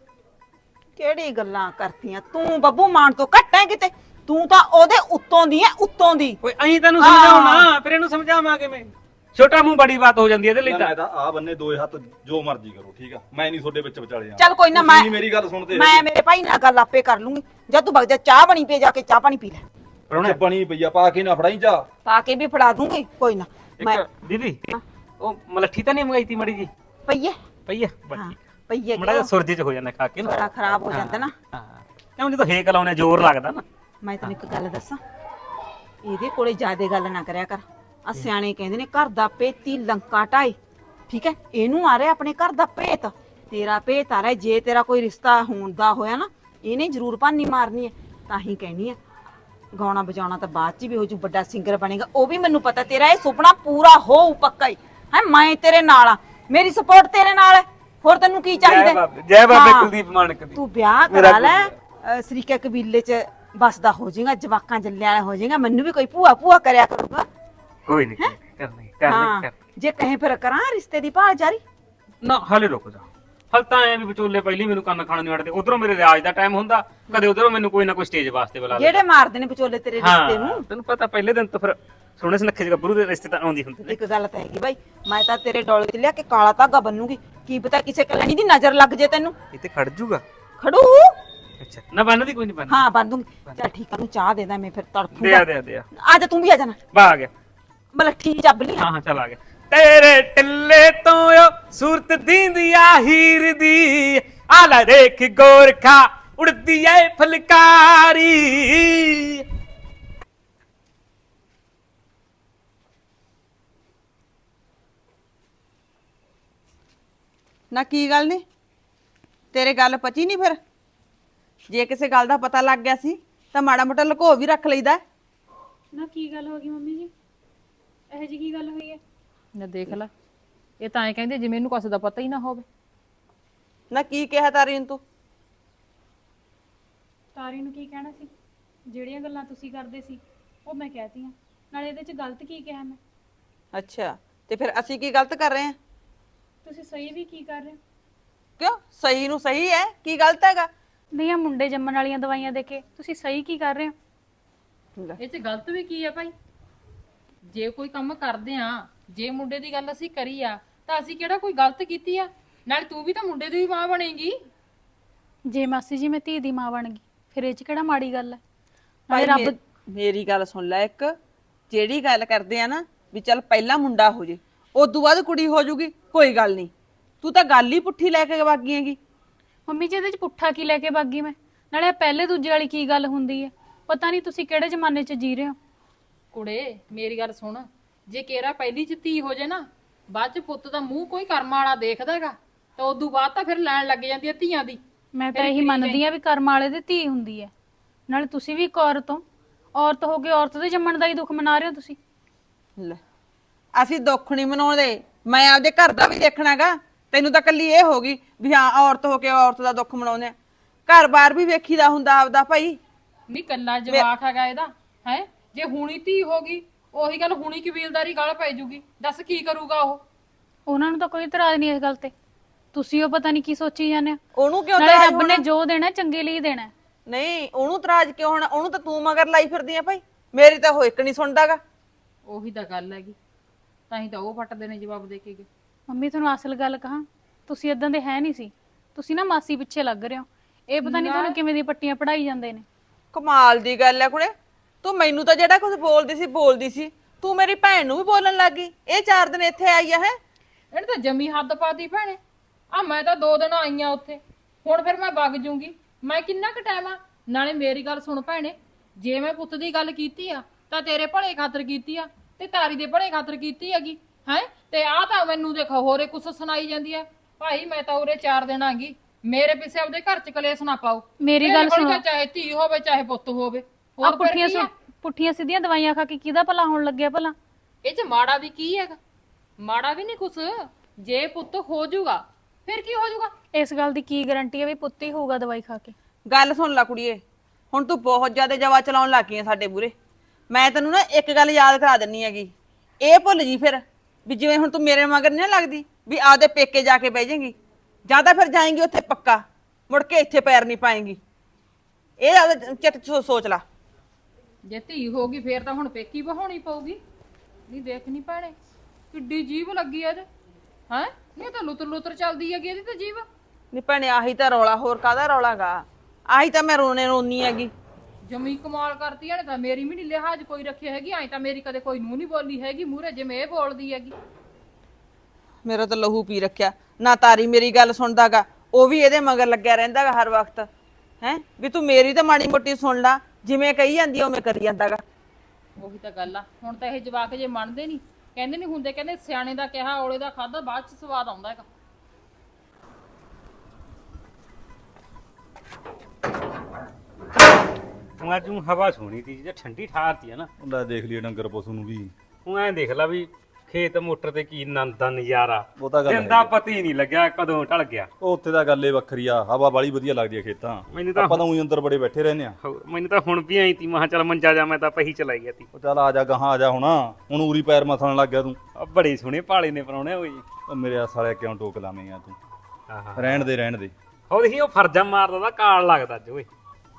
Speaker 5: ਕਿਹੜੀ ਗੱਲਾਂ ਕਰਤੀਆਂ ਤੂੰ? ਬੱਬੂ ਮਾਨ ਤੋਂ ਘੱਟ ਹੈ ਕਿਤੇ? ਤੂੰ ਤਾਂ ਉਹਦੇ ਉੱਤੋਂ ਦੀ ਹੈ, ਉੱਤੋਂ ਦੀ।
Speaker 6: ਓਏ ਅਹੀਂ ਤੈਨੂੰ ਸਮਝਾਉਣਾ, ਫਿਰ ਇਹਨੂੰ ਸਮਝਾਵਾਂ ਕਿਵੇਂ? ਛੋਟਾ ਮੂੰਹ ਬੜੀ ਬਾਤ ਹੋ ਜਾਂਦੀ ਹੈ ਇਹਦੇ ਲਈ
Speaker 4: ਮੈਂ
Speaker 6: ਤਾਂ।
Speaker 4: ਤਾਂ ਆ ਬੰਨੇ ਦੋਏ ਹੱਥ ਜੋ ਮਰਜ਼ੀ ਕਰੋ, ਠੀਕ ਆ? ਮੈਂ ਨਹੀਂ ਤੁਹਾਡੇ ਵਿੱਚ ਵਿਚਾਲੇ ਆ।
Speaker 5: ਚੱਲ ਕੋਈ ਨਾ,
Speaker 4: ਤੁਸੀਂ ਨੀ ਮੇਰੀ ਗੱਲ ਸੁਣਦੇ।
Speaker 5: ਮੈਂ ਮੇਰੇ ਭਾਈ ਨਾਲ ਗੱਲ ਆਪੇ ਕਰ ਲੂੰਗੀ। ਜਦ ਤੂੰ ਵਗ ਜਾ, ਚਾਹ ਬਣੀ ਪਈ, ਜਾ ਕੇ ਚਾਹ ਪਾਣੀ ਪੀ ਲੈ।
Speaker 6: ਪਰਾਉਣੇ
Speaker 4: ਬਣੀ ਪਈ ਆ, ਪਾ ਕੇ ਨਾ ਫੜਾਈ ਜਾ।
Speaker 5: ਪਾ ਕੇ ਵੀ ਫੜਾ ਦੂੰਗੀ, ਕੋਈ ਨਾ। ਮੈਂ
Speaker 6: ਇੱਕ ਦੀਦੀ ਉਹ ਮਲੱਠੀ ਤਾਂ ਨਹੀਂ ਮੰਗਾਈ ਤੀ ਮੜੀ ਜੀ?
Speaker 5: ਪਈਏ
Speaker 6: ਪਈ ਆ
Speaker 5: ਹਾਂ, ਪਈਏ
Speaker 6: ਮੜਾ ਜਿਹਾ ਸੁਰਜੇ ਚ ਹੋ ਜਾਂਦਾ ਖਾ ਕੇ ਨਾ।
Speaker 5: ਬੜਾ ਖਰਾਬ ਹੋ ਜਾਂਦਾ ਨਾ।
Speaker 6: ਹਾਂ, ਕਿਉਂ ਜਦੋਂ ਹੇਕ ਲਾਉਣੇ ਜ਼ੋਰ ਲੱਗਦਾ ਨਾ।
Speaker 5: ਮੈਂ ਤੈਨੂੰ ਇੱਕ ਗੱਲ ਦੱਸਾਂ, ਇਹਦੇ ਕੋਲੇ ਜ਼ਿਆਦੇ ਗੱਲ ਨਾ ਕਰਿਆ ਕਰ। ਆ ਸਿਆਣੇ ਕਹਿੰਦੇ ਨੇ ਘਰ ਦਾ ਪੇਤੀ ਲੰਕਾ ਢਾਈ, ਠੀਕ ਹੈ? ਇਹਨੂੰ ਆ ਰਿਹਾ ਆਪਣੇ ਘਰ ਦਾ ਭੇਤ, ਤੇਰਾ ਭੇਤ ਆ ਰਿਹਾ। ਜੇ ਤੇਰਾ ਕੋਈ ਰਿਸ਼ਤਾ ਹੋਣ ਦਾ ਹੋਇਆ ਨਾ, ਇਹਨੇ ਜ਼ਰੂਰ ਭਾਨੀ ਮਾਰਨੀ ਹੈ। ਤਾਂ ਹੀ ਕਹਿਣੀ ਹੈ, ਗਾਉਣਾ ਵਜਾਉਣਾ ਤਾਂ ਬਾਅਦ ਚ ਵੀ ਹੋ ਜੂ, ਵੱਡਾ ਸਿੰਗਰ ਬਣੇਗਾ। ਉਹ ਵੀ ਮੈਨੂੰ ਪਤਾ ਤੇਰਾ ਇਹ ਸੁਪਨਾ ਪੂਰਾ ਹੋਊ ਪੱਕਾ ਹੀ ਹੈ। ਮੈਂ ਤੇਰੇ ਨਾਲ ਆ, ਮੇਰੀ ਸਪੋਰਟ ਤੇਰੇ ਨਾਲ ਹੈ। ਹੋਰ ਤੈਨੂੰ ਕੀ ਚਾਹੀਦਾ?
Speaker 6: ਜੈ ਬਾਬੇ
Speaker 5: ਹਾਂ।
Speaker 6: ਕੁਲਦੀਪ ਮਾਨਕ ਦੀ।
Speaker 5: ਤੂੰ ਵਿਆਹ ਕਰਾ ਲੈ, ਸਰੀਕੇ ਕਬੀਲੇ ਚ ਬਸਦਾ ਹੋ ਜਾਏਗਾ, ਜਵਾਕਾਂ ਜੱਲਿਆਂ ਵਾਲਾ ਹੋ ਜਾਏਗਾ। ਮੈਨੂੰ ਵੀ ਕੋਈ ਭੂਆ ਭੂਆ ਕਰਿਆ ਕਰੂਗਾ।
Speaker 6: ਕੋਈ ਨਹੀਂ ਕਰਨੀ
Speaker 5: ਹਾਂ,
Speaker 6: ਕਰਨੀ।
Speaker 5: ਜੇ ਕਹੇ ਫਿਰ ਕਰਾਂ ਰਿਸ਼ਤੇ ਦੀ ਭਾਲ ਜਾਰੀ।
Speaker 6: ਨਾ ਹਾਲੇ ਰੁਕ ਜਾ, ਹਲ ਤਾਂ ਐ ਵੀ ਵਿਚੋਲੇ ਪਹਿਲੀ ਮੈਨੂੰ ਕੰਨ ਖਾਣ ਨਹੀਂ ਅੜਦੇ। ਉਧਰੋਂ ਮੇਰੇ ਰਿਆਜ਼ ਦਾ ਟਾਈਮ ਹੁੰਦਾ, ਕਦੇ ਉਧਰੋਂ ਮੈਨੂੰ ਕੋਈ ਨਾ ਕੋਈ ਸਟੇਜ ਵਾਸਤੇ ਬੁਲਾ ਲੈ।
Speaker 5: ਜਿਹੜੇ ਮਾਰਦੇ ਨੇ ਵਿਚੋਲੇ ਤੇਰੇ ਰਿਸ਼ਤੇ ਨੂੰ।
Speaker 6: ਤੈਨੂੰ ਪਤਾ ਪਹਿਲੇ ਦਿਨ ਤੋਂ ਫਿਰ ਸੋਹਣੇ ਸੁਨੱਖੇ ਗੱਭਰੂ ਦੇ ਰਿਸ਼ਤੇ ਤਾਂ ਆਉਂਦੀ ਹੁੰਦੇ ਨੇ।
Speaker 5: ਇੱਕ ਗੱਲ ਤਾਂ ਹੈਗੀ ਬਾਈ, ਮੈਂ ਤਾਂ ਤੇਰੇ ਡੋਲੇ ਤੇ ਲਿਆ ਕੇ ਕਾਲਾ ਧਾਗਾ ਬੰਨੂਗੀ। ਕੀ ਪਤਾ ਕਿਸੇ ਕਲਣੀ ਦੀ ਨਜ਼ਰ ਲੱਗ ਜੇ ਤੈਨੂੰ।
Speaker 6: ਇੱਥੇ ਖੜ ਜੂਗਾ।
Speaker 5: ਖੜੂ?
Speaker 6: ਅੱਛਾ ਨਾ ਬੰਨਦੀ ਕੋਈ ਨਹੀਂ ਬੰਨ।
Speaker 5: ਹਾਂ ਬੰਦੂਗੀ। ਚੱਲ ਠੀਕ ਆ, ਤੂੰ ਚਾਹ ਦੇ ਦਾਂ, ਮੈਂ ਫਿਰ
Speaker 6: ਦੇ
Speaker 5: ਤੜਫੂਗਾ।
Speaker 6: ਆ ਦੇ ਆ ਦੇ ਆ।
Speaker 5: ਆ ਜਾ, ਤੂੰ ਵੀ ਆ ਜਾਣਾ।
Speaker 6: ਬਾ ਆ ਗਿਆ।
Speaker 5: ਮਲੱਠੀ ਚੱਬ ਲਈ।
Speaker 6: ਹਾਂ ਹਾਂ ਚੱਲ ਆ ਗਿਆ। ਤੇਰੇ ਟਿੱਲੇ ਤੋਂ ਓ ਸੂਰਤ ਦੀਂਦੀ ਆ ਹੀਰ ਦੀ, ਆ ਲੈ ਦੇਖ ਗੋਰਖਾ ਉੜਦੀ ਐ ਫਲਕਾਰੀ।
Speaker 2: ਨਾ ਕੀ ਗੱਲ ਨਹੀਂ ਤੇਰੇ ਗੱਲ ਪਚੀ ਨਹੀਂ? ਫਿਰ ਜੇ ਕਿਸੇ ਗੱਲ ਦਾ ਪਤਾ ਲੱਗ ਗਿਆ ਸੀ ਤਾਂ ਮਾੜਾ ਮੋਟਾ ਲੁਕੋ ਵੀ ਰੱਖ ਲਈਦਾ।
Speaker 3: ਨਾ ਕੀ ਗੱਲ ਹੋ ਗਈ ਮੰਮੀ ਜੀ? ਇਹੋ ਜੀ ਕੀ ਗੱਲ ਹੋਈ ਹੈ?
Speaker 1: ਨਾ ਦੇਖ ਲੈ, ਇਹ ਤਾਂ ਐ ਕਹਿੰਦੇ ਜਿਵੇਂ ਇਹਨੂੰ ਕੁਛ ਦਾ ਪਤਾ ਹੀ ਨਾ ਹੋਵੇ।
Speaker 2: ਨਾ ਕੀ ਕਿਹਾ ਤਾਰੀ ਨੂੰ ਤੂੰ?
Speaker 3: ਤਾਰੀ ਨੂੰ ਕੀ ਕਹਿਣਾ ਸੀ? ਜਿਹੜੀਆਂ ਗੱਲਾਂ ਤੁਸੀਂ ਕਰਦੇ ਸੀ ਉਹ ਮੈਂ ਕਹਿਤੀਆਂ। ਨਾਲੇ ਇਹਦੇ 'ਚ ਗਲਤ ਕੀ ਕਿਹਾ ਮੈਂ?
Speaker 2: ਅੱਛਾ, ਤੇ ਫਿਰ ਅਸੀਂ ਕੀ ਗਲਤ ਕਰ ਰਹੇ ਹਾਂ?
Speaker 3: ਤੁਸੀਂ ਸਹੀ ਵੀ ਕੀ ਕਰ ਰਹੇ ਹੋ?
Speaker 2: ਕਿਉਂ? ਸਹੀ ਨੂੰ ਸਹੀ ਹੈ, ਕੀ ਗਲਤ ਹੈਗਾ?
Speaker 3: ਨਹੀਂ, ਆ ਮੁੰਡੇ ਜੰਮਣ ਵਾਲੀਆਂ ਦਵਾਈਆਂ ਦੇ ਕੇ ਤੁਸੀਂ ਸਹੀ ਕੀ ਕਰ ਰਹੇ ਹੋ?
Speaker 1: ਇਹ 'ਚ ਗਲਤ ਵੀ ਕੀ ਆ ਭਾਈ? ਜੇ ਕੋਈ ਕੰਮ ਕਰਦੇ ਆ, ਜੇ ਮੁੰਡੇ ਦੀ ਗੱਲ ਅਸੀਂ ਕਰੀ ਆ, ਤਾਂ ਅਸੀਂ ਕਿਹੜਾ ਕੋਈ ਗਲਤ ਕੀਤੀ ਆ? ਨਾਲ ਤੂੰ ਵੀ ਤਾਂ ਮੁੰਡੇ ਦੀ ਮਾਂ ਬਣੇਗੀ।
Speaker 3: ਜੇ ਮਾਸੀ ਜੀ ਮੈਂ ਧੀ ਦੀ ਮਾਂ ਬਣ ਗਈ ਫਿਰ ਇਹ ਚ ਕਿਹੜਾ ਮਾੜੀ ਗੱਲ ਹੈ?
Speaker 2: ਭਾਈ
Speaker 3: ਨਾਲੇ ਰੱਬ
Speaker 2: ਮੇਰੀ ਗੱਲ ਸੁਣ ਲੈ ਇੱਕ, ਜਿਹੜੀ ਗੱਲ ਕਰਦੇ ਆ ਨਾ ਵੀ ਚੱਲ ਪਹਿਲਾਂ ਮੁੰਡਾ ਹੋ ਜੇ ਉਦੋਂ ਬਾਅਦ ਕੁੜੀ ਹੋ ਜੂਗੀ, ਕੋਈ ਗੱਲ ਨਹੀਂ। ਤੂੰ ਤਾਂ ਗੱਲ ਹੀ ਪੁੱਠੀ ਲੈ ਕੇ ਵਾਗੀ ਹੈਗੀ।
Speaker 3: ਮੰਮੀ ਜੀ ਇਹਦੇ ਚ ਪੁੱਠਾ ਕੀ ਲੈ ਕੇ ਬਾਗੀ ਮੈਂ? ਨਾਲੇ ਆਹ ਪਹਿਲੇ ਦੂਜੇ ਵਾਲੀ ਕੀ ਗੱਲ ਹੁੰਦੀ ਹੈ? ਪਤਾ ਨਹੀਂ ਤੁਸੀਂ ਕਿਹੜੇ ਜ਼ਮਾਨੇ 'ਚ ਜੀ ਰਹੇ ਹੋ।
Speaker 1: ਕੁੜੇ ਮੇਰੀ ਗੱਲ ਸੁਣ, ਜੇ ਕੇਰਾ ਪਹਿਲੀ ਚ ਧੀ ਹੋ ਜੇ ਨਾ, ਬਾਅਦ ਚ ਪੁੱਤ ਦਾ ਮੂੰਹ ਕੋਈ ਕਰਮ ਵਾਲਾ ਦੇਖਦਾ ਹੈਗਾ, ਤਾਂ ਉਦੋਂ ਬਾਅਦ ਤਾਂ ਫਿਰ ਲੈਣ ਲੱਗ ਜਾਂਦੀ ਹੈ ਧੀਆਂ ਦੀ।
Speaker 3: ਮੈਂ ਤਾਂ ਇਹੀ ਮੰਨਦੀ ਆ ਵੀ ਕਰਮ ਵਾਲੇ ਦੀ ਧੀ ਹੁੰਦੀ ਹੈ। ਨਾਲੇ ਤੁਸੀਂ ਵੀ ਇੱਕ ਔਰਤ ਹੋ, ਔਰਤ ਹੋ ਕੇ ਔਰਤ ਦੇ ਜੰਮਣ ਦਾ ਹੀ ਦੁੱਖ ਮਨਾ ਰਹੇ ਹੋ ਤੁਸੀਂ।
Speaker 2: ਲੈ ਅਸੀਂ ਦੁੱਖ ਨਹੀਂ ਮਨਾਉਂਦੇ, ਮੈਂ ਆਪਦੇ ਘਰ ਦਾ ਵੀ ਦੇਖਣਾਗਾ। ਤੈਨੂੰ ਤਾਂ ਕੱਲੀ ਇਹ ਹੋ ਗਈ ਵੀ ਹਾਂ ਔਰਤ ਹੋ ਕੇ ਔਰਤ ਦਾ ਦੁੱਖ ਮਨਾਉਂਦੇ ਆ। ਘਰ-ਬਾਰ ਵੀ ਵੇਖੀਦਾ ਹੁੰਦਾ ਆਪਦਾ ਭਾਈ।
Speaker 1: ਨਹੀਂ ਕੱਲਾ ਜਵਾਕ ਹੈਗਾ ਇਹਦਾ ਹੈ, ਜੇ ਹੁਣੀ ਧੀ ਹੋ ਗਈ ਉਹੀ ਗੱਲ ਹੁਣੀ ਕਬੀਲਦਾਰੀ ਗਲ ਪੈ ਜੂਗੀ, ਦੱਸ ਕੀ ਕਰੂਗਾ ਉਹ?
Speaker 3: ਉਹਨਾਂ ਨੂੰ ਤਾਂ ਕੋਈ ਇਤਰਾਜ਼ ਨਹੀਂ ਇਸ ਗੱਲ ਤੇ। ਤੁਸੀਂ ਉਹ ਪਤਾ ਨਹੀਂ ਕੀ ਸੋਚੀ ਜਾਂਦੇ ਹੋ।
Speaker 2: ਉਹਨੂੰ ਕਿਉਂ
Speaker 3: ਨਾਲੇ
Speaker 2: ਤਰਾਜ
Speaker 3: ਰੱਬ ਨੇ
Speaker 2: ਹੋਣਾ?
Speaker 3: ਜੋ ਦੇਣਾ ਚੰਗੇ ਲਈ ਦੇਣਾ।
Speaker 2: ਨਹੀਂ ਉਹਨੂੰ ਤਰਾਜ ਕਿਉਂ ਹੋਣਾ? ਉਹਨੂੰ ਤਾਂ ਤੂੰ ਮਗਰ ਲਾਈ ਫਿਰਦੀ ਆ ਭਾਈ। ਮੇਰੀ ਤਾਂ ਉਹ ਇੱਕ ਨਹੀਂ ਸੁਣਦਾਗਾ।
Speaker 1: ਉਹੀ ਤਾਂ ਗੱਲ ਹੈਗੀ, ਤਾਂ ਹੀ ਤਾਂ ਉਹ ਫੱਟਦੇ ਨੇ ਜਵਾਬ ਦੇ ਕੇ ਗਏ।
Speaker 3: ਮੰਮੀ ਤੁਹਾਨੂੰ ਅਸਲ ਗੱਲ ਕਹਾਂ, ਤੁਸੀਂ ਇਦਾਂ ਦੇ ਹੈ ਨਹੀਂ ਸੀ। ਤੁਸੀਂ ਨਾ ਮਾਸੀ ਪਿੱਛੇ ਲੱਗ ਰਹੇ ਹੋ। ਇਹ ਪਤਾ ਨਹੀਂ ਤੁਹਾਨੂੰ ਕਿਵੇਂ ਦੀ ਪੱਟੀਆਂ ਪੜਾਈ ਜਾਂਦੇ ਨੇ।
Speaker 2: ਕਮਾਲ ਦੀ ਗੱਲ ਹੈ ਕੁੜੇ, ਤੂੰ ਮੈਨੂੰ ਤਾਂ ਜਿਹੜਾ ਕੁਝ ਬੋਲਦੀ ਸੀ ਤੂੰ ਮੇਰੀ ਭੈਣ ਨੂੰ ਵੀ ਬੋਲਣ ਲੱਗ ਗਈ। ਇਹ 4 ਦਿਨ ਇੱਥੇ ਆਈ ਆ ਹੈ।
Speaker 1: ਇਹਨੇ ਤਾਂ ਜਮੀ ਹੱਦ ਪਾਤੀ ਭੈਣੇ। ਆ ਮੈਂ ਤਾਂ 2 ਦਿਨ ਆਈਆਂ ਉੱਥੇ, ਹੁਣ ਫਿਰ ਮੈਂ ਵਗ ਜੂੰਗੀ। ਮੈਂ ਕਿੰਨਾ ਕੁ ਟਾਈਮ ਆ? ਨਾਲੇ ਮੇਰੀ ਗੱਲ ਸੁਣ ਭੈਣੇ, ਜੇ ਮੈਂ ਪੁੱਤ ਦੀ ਗੱਲ ਕੀਤੀ ਆ ਤਾਂ ਤੇਰੇ ਭਲੇ ਖਾਤਰ ਕੀਤੀ ਆ, ਤੇ ਤਾਰੀ ਦੇ ਭਲੇ ਖਾਤਰ ਕੀਤੀ ਹੈਗੀ ਹੈ। ਤੇ ਆ ਤਾਂ ਮੈਨੂੰ ਦੇਖੋ ਹੋਰੇ ਕੁਛ ਸੁਣਾਈ ਜਾਂਦੀ ਹੈ। ਭਾਈ ਮੈਂ ਤਾਂ ਉਰੇ 4 ਦਿਨ ਆ ਗਈ, ਮੇਰੇ ਪਿੱਛੇ ਆਪਦੇ ਘਰ ਚ ਕਲੇਸ਼ ਨਾ ਪਾਓ।
Speaker 3: ਮੇਰੀ
Speaker 1: ਮੇਰੇ
Speaker 3: ਗੱਲ
Speaker 1: ਕੋਲ
Speaker 3: ਸੁਣੋ।
Speaker 1: ਤਾਂ ਚਾਹੇ ਧੀ ਹੋਵੇ ਚਾਹੇ ਪੁੱਤ ਹੋਵੇ,
Speaker 3: ਆ
Speaker 1: ਹੋਰ ਫਿਰ ਕੀ ਆ?
Speaker 3: ਪੁੱਠੀਆਂ ਸਿੱਧੀਆਂ ਦਵਾਈਆਂ ਖਾ ਕੇ ਕਿਹਦਾ ਭਲਾ ਹੋਣ ਲੱਗਿਆ ਭਲਾ?
Speaker 1: ਇਹ ਚ ਮਾੜਾ ਵੀ ਕੀ ਹੈਗਾ? ਮਾੜਾ ਵੀ ਨਹੀਂ ਕੁਛ। ਜੇ ਪੁੱਤ ਹੋ ਜਾਊਗਾ ਫਿਰ ਕੀ ਹੋ ਜਾਊਗਾ?
Speaker 3: ਇਸ ਗੱਲ ਦੀ ਕੀ ਗਾਰੰਟੀ ਹੈ ਵੀ ਪੁੱਤ ਹੀ ਹੋਊਗਾ ਦਵਾਈ ਖਾ ਕੇ?
Speaker 2: ਗੱਲ ਸੁਣ ਲੈ ਕੁੜੀਏ, ਹੁਣ ਤੂੰ ਬਹੁਤ ਜ਼ਿਆਦਾ ਜਵਾ ਚਲਾਉਣ ਲੱਗ ਗਈ ਆ ਸਾਡੇ ਮੂਹਰੇ। ਮੈਂ ਤੈਨੂੰ ਨਾ ਇੱਕ ਗੱਲ ਯਾਦ ਕਰਾ ਦਿੰਨੀ ਹੈਗੀ, ਇਹ ਭੁੱਲ ਜੀ ਫਿਰ ਵੀ ਜਿਵੇਂ ਹੁਣ ਤੂੰ ਮੇਰੇ ਮਗਰ ਨਹੀਂ ਨਾ ਲੱਗਦੀ ਵੀ ਆਪਦੇ ਪੇਕੇ ਜਾ ਕੇ ਬਹਿ ਜਾਏਂਗੀ, ਜਾਂ ਤਾਂ ਫਿਰ ਜਾਏਂਗੀ ਉੱਥੇ ਪੱਕਾ, ਮੁੜ ਕੇ ਇੱਥੇ ਪੈਰ ਨਹੀਂ ਪਾਏਂਗੀ। ਇਹ ਆਪਦਾ ਚਿੱਤ 'ਚ ਸੋਚ ਲਾ।
Speaker 1: ਜੇ ਧੀ ਹੋ ਗਈ ਫੇਰ ਤਾਂ ਹੁਣ ਪੇਕੀ ਵਹਾਉਣੀ ਪਊਗੀ। ਨਹੀਂ ਦੇਖ ਨਹੀਂ ਭੈਣੇ ਕਿੱਡੀ ਜੀਭ ਲੱਗੀ ਐ ਇਹਦੇ ਹੈ। ਨਹੀਂ ਤਾਂ ਲੁੱਤਰ ਲੁੱਤਰ ਚੱਲਦੀ ਹੈਗੀ ਇਹਦੀ ਤਾਂ ਜੀਭ।
Speaker 2: ਨਹੀਂ ਭੈਣੇ ਆਹੀ ਤਾਂ ਰੌਲਾ, ਹੋਰ ਕਾਹਦਾ ਰੌਲਾਗਾ? ਆਹੀ ਤਾਂ ਮੈਂ ਰੋਣੀ ਹੈਗੀ।
Speaker 1: ਜਮੀ ਕਮਾਲ ਕਰਤੀ ਐ। ਤਾਂ ਮੇਰੀ ਵੀ ਨਹੀਂ ਲਿਹਾਜ਼ ਕੋਈ ਰੱਖਿਆ ਹੈਗੀ। ਐਂ ਤਾਂ ਮੇਰੀ ਕਦੇ ਕੋਈ ਨੂੰ ਨਹੀਂ ਬੋਲੀ ਹੈਗੀ ਮੂਹਰੇ ਜਿਵੇਂ ਇਹ ਬੋਲਦੀ ਹੈਗੀ।
Speaker 2: ਮੇਰਾ ਤਾਂ ਲਹੂ ਪੀ ਰੱਖਿਆ ਨਾ। ਤਾਰੀ ਮੇਰੀ ਗੱਲ ਸੁਣਦਾਗਾ, ਉਹ ਵੀ ਇਹਦੇ ਮਗਰ ਲੱਗਿਆ ਰਹਿੰਦਾਗਾ ਹਰ ਵਕਤ ਹੈ ਵੀ ਤੂੰ ਮੇਰੀ ਤਾਂ ਮਾੜੀ ਮੋਟੀ ਸੁਣ ਲਾ, ਜਿਵੇਂ ਕਹੀ ਜਾਂਦੀ ਆ ਉਵੇਂ ਕਰੀ ਜਾਂਦਾਗਾ।
Speaker 1: ਉਹੀ ਤਾਂ ਗੱਲ ਆ। ਹੁਣ ਤਾਂ ਇਹ ਜਵਾਕ ਜੇ ਮੰਨਦੇ ਨਹੀਂ, ਕਹਿੰਦੇ ਨਹੀਂ ਹੁੰਦੇ, ਕਹਿੰਦੇ ਸਿਆਣੇ ਦਾ ਕਿਹਾ ਔਲੇ ਦਾ ਖਾਦਾ ਬਾਅਦ ਚ ਸਵਾਦ ਆਉਂਦਾ ਹੈਗਾ।
Speaker 6: ਤੂੰ ਅੱਜ ਊਂ ਹਵਾ ਸੋਹਣੀ ਤੀ ਜੇ ਠੰਡੀ ਠਾਰਤੀ ਆ ਨਾ।
Speaker 4: ਲੈ ਦੇਖ ਲਈ ਡੰਗਰ ਪਸ਼ੂ ਨੂੰ ਵੀ।
Speaker 6: ਤੂੰ ਐਂ ਦੇਖ ਲੈ ਵੀ ਖੇਤ ਮੋਟਰ ਤੇ ਕੀ ਆਨੰਦ ਦਾ ਨਜ਼ਾਰਾ।
Speaker 4: ਉਹ ਤਾਂ ਗੱਲ
Speaker 6: ਦਿਨ ਦਾ ਪਤੀ ਨਹੀਂ ਲੱਗਿਆ ਕਦੋਂ ਢਲ ਗਿਆ।
Speaker 4: ਉਹ ਉੱਥੇ ਦਾ ਗੱਲ ਏ ਵੱਖਰੀ ਆ, ਹਵਾ ਬਾਲੀ ਵਧੀਆ ਲੱਗਦੀ ਆ ਖੇਤਾਂ।
Speaker 6: ਮੈਨੂੰ ਤਾਂ
Speaker 4: ਆਪਾਂ ਤਾਂ ਉਹੀ ਅੰਦਰ ਬੜੇ ਬੈਠੇ ਰਹਿੰਦੇ ਆ।
Speaker 6: ਮੈਨੂੰ ਤਾਂ ਹੁਣ ਵੀ ਆਈ ਤੀ, ਮਹਾ ਚੱਲ ਮੰਜਾ ਜਾ, ਮੈਂ ਤਾਂ ਪਹੀ ਚਲਾਈ ਗਿਆ ਤੀ।
Speaker 4: ਉਹ ਚੱਲ ਆ ਜਾ ਗਾਹਾਂ ਆ ਜਾ ਹੁਣ ਉਰੀ ਪੈਰ ਮਥਣ ਲੱਗ ਗਿਆ ਤੂੰ।
Speaker 6: ਆ ਬੜੇ ਸੋਹਣੇ ਭਾਲੇ ਨੇ ਪਰਾਉਣੇ ਹੋਏ।
Speaker 4: ਉਹ ਮੇਰੇ ਸਾਲਿਆ ਕਿਉਂ ਟੋਕ ਲਾਵੇਂਗਾ ਤੂੰ?
Speaker 6: ਆਹਾ
Speaker 4: ਰਹਿਣ ਦੇ
Speaker 6: ਹੋ ਦੇਖੀ ਉਹ ਫਰਜਾ ਮਾਰਦਾ ਦਾ ਕਾਲ ਲੱਗਦਾ ਅੱਜ ਓਏ।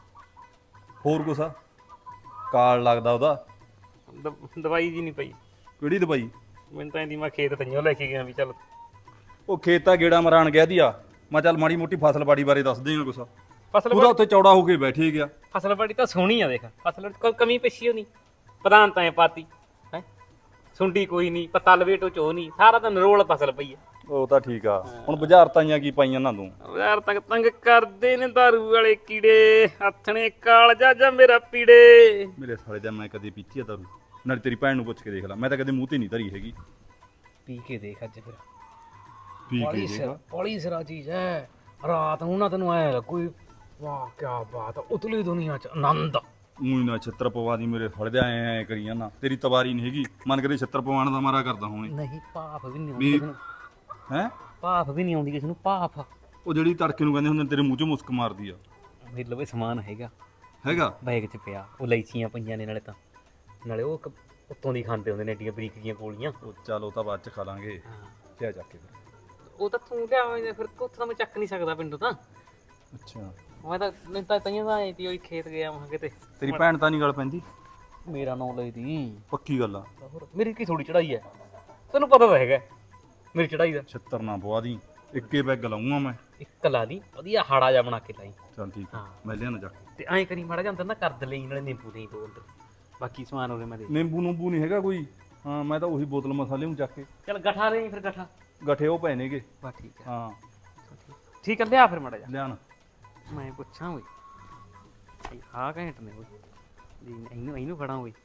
Speaker 4: ਹੋਰ ਕੁਛ ਆ? ਕਾਲ ਲੱਗਦਾ ਉਹਦਾ?
Speaker 6: ਦਵਾਈ ਜੀ ਨਹੀਂ ਪਈ
Speaker 4: ਕਿਹੜੀ ਦਵਾਈ?
Speaker 6: ਮੈਨੂੰ ਤਾਂ ਇਹਦੀ ਮੈਂ ਖੇਤ ਤਈਓ ਲੈ ਕੇ ਗਿਆ ਵੀ ਚੱਲ।
Speaker 4: ਉਹ ਖੇਤਾਂ ਗੇੜਾ ਮਰਾਣ ਗਿਆ ਦੀਆ। ਮੈਂ ਚੱਲ ਮਾੜੀ ਮੋਟੀ ਫਸਲਬਾੜੀ ਬਾਰੇ ਦੱਸ ਦੇਗਾ ਕੁਛ।
Speaker 6: ਫਸਲ
Speaker 4: ਉਹਦਾ ਉੱਥੇ ਚੌੜਾ ਹੋ ਕੇ ਬੈਠੇ ਗਿਆ।
Speaker 6: ਫਸਲਬਾੜੀ ਤਾਂ ਸੋਹਣੀ ਆ ਦੇਖ। ਫਸਲ ਕੋਈ ਕਮੀ ਪੇਸ਼ੀ ਹੋਣੀ, ਪ੍ਰਧਾਨ ਤਾਂ ਪਾਤੀ ਹੈ, ਸੁੰਡੀ ਕੋਈ ਨਹੀਂ, ਪੱਤਾ ਲਵੇਟੋ ਚੋ ਨਹੀਂ, ਸਾਰਾ ਤਾਂ ਨਰੋਲ ਫਸਲ ਪਈ ਆ।
Speaker 4: ਉਹ ਤਾਂ ਠੀਕ ਆ। ਹੁਣ ਬੁਝਾਰਤਾਂ ਕੀ ਪਾਈਆਂ ਨਾ ਤੂੰ?
Speaker 6: ਯਾਰ ਤੰਗ ਕਰਦੇ ਨੇ ਦਾਰੂ ਵਾਲੇ ਕੀੜੇ, ਹੱਥਣੇ ਕਾਲਜਾ ਜਾ ਮੇਰਾ ਪੀੜੇ।
Speaker 4: ਮੇਰੇ ਸਾਲੇ ਦਾ ਮੈਂ ਕਦੇ ਪੀਤੀ ਆ ਦਾਰੂ? ਨਾਲੇ ਤੇਰੀ ਭੈਣ ਨੂੰ ਪੁੱਛ ਕੇ ਦੇਖ ਲੈ, ਮੈਂ ਤਾਂ ਕਦੇ ਮੂੰਹ ਤੇ ਨਹੀਂ ਧਰੀ ਹੈਗੀ।
Speaker 6: ਪੀ ਕੇ ਦੇਖ ਅੱਜ ਫਿਰ।
Speaker 4: ਪੀ ਕੇ ਦੇਖ।
Speaker 6: ਬੜੀ ਸਿਰਾ ਚੀਜ਼ ਹੈ। ਰਾਤ ਨੂੰ ਨਾ ਤੈਨੂੰ ਐ ਲੱਗੂ ਵਾਹ ਕੀ ਬਾਤ, ਉਤਲੀ ਦੁਨੀਆ ਚ ਆਨੰਦ।
Speaker 4: ਮੂੰਹ ਨਾ ਛੱਤਰ ਪਵਾ ਦੀ ਮੇਰੇ ਸਾਲੇ ਦੇ, ਐ ਕਰੀ ਜਾਂਦਾ। ਤੇਰੀ ਤਵਾਰੀ ਨਹੀਂ ਹੈਗੀ, ਮਨ ਕਰੇ ਛੱਤਰ ਪਵਾਉਣ ਦਾ ਮਾਰਾ ਕਰਦਾ ਹੋਣੇ।
Speaker 6: ਨਹੀਂ ਭਾਫ ਵੀ ਨਹੀਂ
Speaker 4: ਵੀ
Speaker 6: ਆਉਂਦੀ ਕਿਸੇ ਨੂੰ,
Speaker 4: ਹੈ
Speaker 6: ਭਾਫ ਵੀ ਨਹੀਂ ਆਉਂਦੀ ਕਿਸੇ ਨੂੰ। ਭਾਫ
Speaker 4: ਉਹ ਜਿਹੜੀ ਤੜਕੇ ਨੂੰ ਕਹਿੰਦੇ ਹੁੰਦੇ ਤੇਰੇ ਮੂੰਹ 'ਚੋਂ ਮੁਸਕ ਮਾਰਦੀ ਆ।
Speaker 6: ਮੇਰੇ ਲਵੇ ਸਮਾਨ ਹੈਗਾ ਬੈਗ 'ਚ ਪਿਆ। ਉਹ ਲੈਚੀਆਂ ਪਈਆਂ ਨੇ, ਨਾਲੇ ਉਹ ਉੱਤੋਂ ਦੀ ਖਾਂਦੇ ਹੁੰਦੇ ਨੇ ਏਡੀਆਂ ਬਰੀਕ ਜੀਆਂ ਗੋਲੀਆਂ।
Speaker 4: ਉਹ ਚੱਲ ਉਹ ਤਾਂ ਬਾਅਦ 'ਚ ਖਾ ਲਾਂਗੇ। ਕਿਆ ਚੱਕ ਕੇ ਫਿਰ?
Speaker 6: ਉਹ ਤਾਂ ਤੂੰ ਲਿਆਵੇਂ ਫਿਰ, ਉੱਥੋਂ ਤਾਂ ਮੈਂ ਚੱਕ ਨਹੀਂ ਸਕਦਾ ਪਿੰਡੋਂ ਤਾਂ।
Speaker 4: ਅੱਛਾ
Speaker 6: ਮੈਂ ਤਾਂ ਮੈਨੂੰ ਤਾਂ ਤਈਆਂ ਤਾਂ ਆਈ ਤੀ ਉਹ ਖੇਤ ਗਿਆ ਮੈਂ ਕਿਤੇ।
Speaker 4: ਤੇਰੀ ਭੈਣ ਤਾਂ ਨਹੀਂ ਗੱਲ ਪੈਂਦੀ?
Speaker 6: ਮੇਰਾ ਨਾਂ ਲਈ ਦੀ
Speaker 4: ਪੱਕੀ ਗੱਲ ਆ।
Speaker 6: ਹੋਰ ਮੇਰੀ ਕੀ ਥੋੜੀ ਚੜਾਈ ਹੈ, ਤੈਨੂੰ ਪਤਾ ਤਾਂ ਹੈਗਾ ਮੇਰੀ ਚੜਾਈ ਦਾ।
Speaker 4: ਛੱਤਰ ਨਾ ਪਵਾ ਦੀ। ਇੱਕੇ ਬੈਗ ਲਾਉਂਗਾ ਮੈਂ।
Speaker 6: ਇੱਕ ਲਾ ਦੀ ਵਧੀਆ ਹਾੜਾ ਜਾ ਬਣਾ ਕੇ ਲਾਈ।
Speaker 4: ਚੱਲ ਠੀਕ ਆ,
Speaker 6: ਹਾਂ।
Speaker 4: ਮੈਂ ਲਿਆਣਾ ਜਾ ਕੇ।
Speaker 6: ਤੇ ਐਂ ਕਰੀ ਮਾੜਾ ਜਿਹਾ ਅੰਦਰ ਨਾ ਕਰਦ ਲਈ ਨਾਲੇ ਨਿੰਬੂ ਨਹੀਂ ਦੋ ਅੰਦਰ, ਬਾਕੀ ਸਮਾਨ ਉਹਦੇ ਮੈਂ ਦੇ
Speaker 4: ਨਿੰਬੂ ਨੂੰਬੂ ਨਹੀਂ ਹੈਗਾ ਕੋਈ? ਹਾਂ ਮੈਂ ਤਾਂ ਉਹੀ ਬੋਤਲ ਮਸਾਲੇ ਨੂੰ ਚੱਕ ਕੇ।
Speaker 6: ਚੱਲ ਗਠਾ ਲਈ ਫਿਰ ਗਠਾ।
Speaker 4: ਗੱਠੇ ਉਹ ਪਏ ਨੇਗੇ।
Speaker 6: ਬਸ ਠੀਕ ਹੈ।
Speaker 4: ਹਾਂ
Speaker 6: ਠੀਕ ਹੈ ਲਿਆ ਫਿਰ ਮਾੜਾ ਜਿਹਾ।
Speaker 4: ਲਿਆਣਾ।
Speaker 6: ਮੈਂ ਪੁੱਛਾਂ ਓਏ ਆ ਘੈਂਟ ਨੇ ਓਏ ਜੀ, ਇਹਨੂੰ ਫੜਾਂ ਓਏ।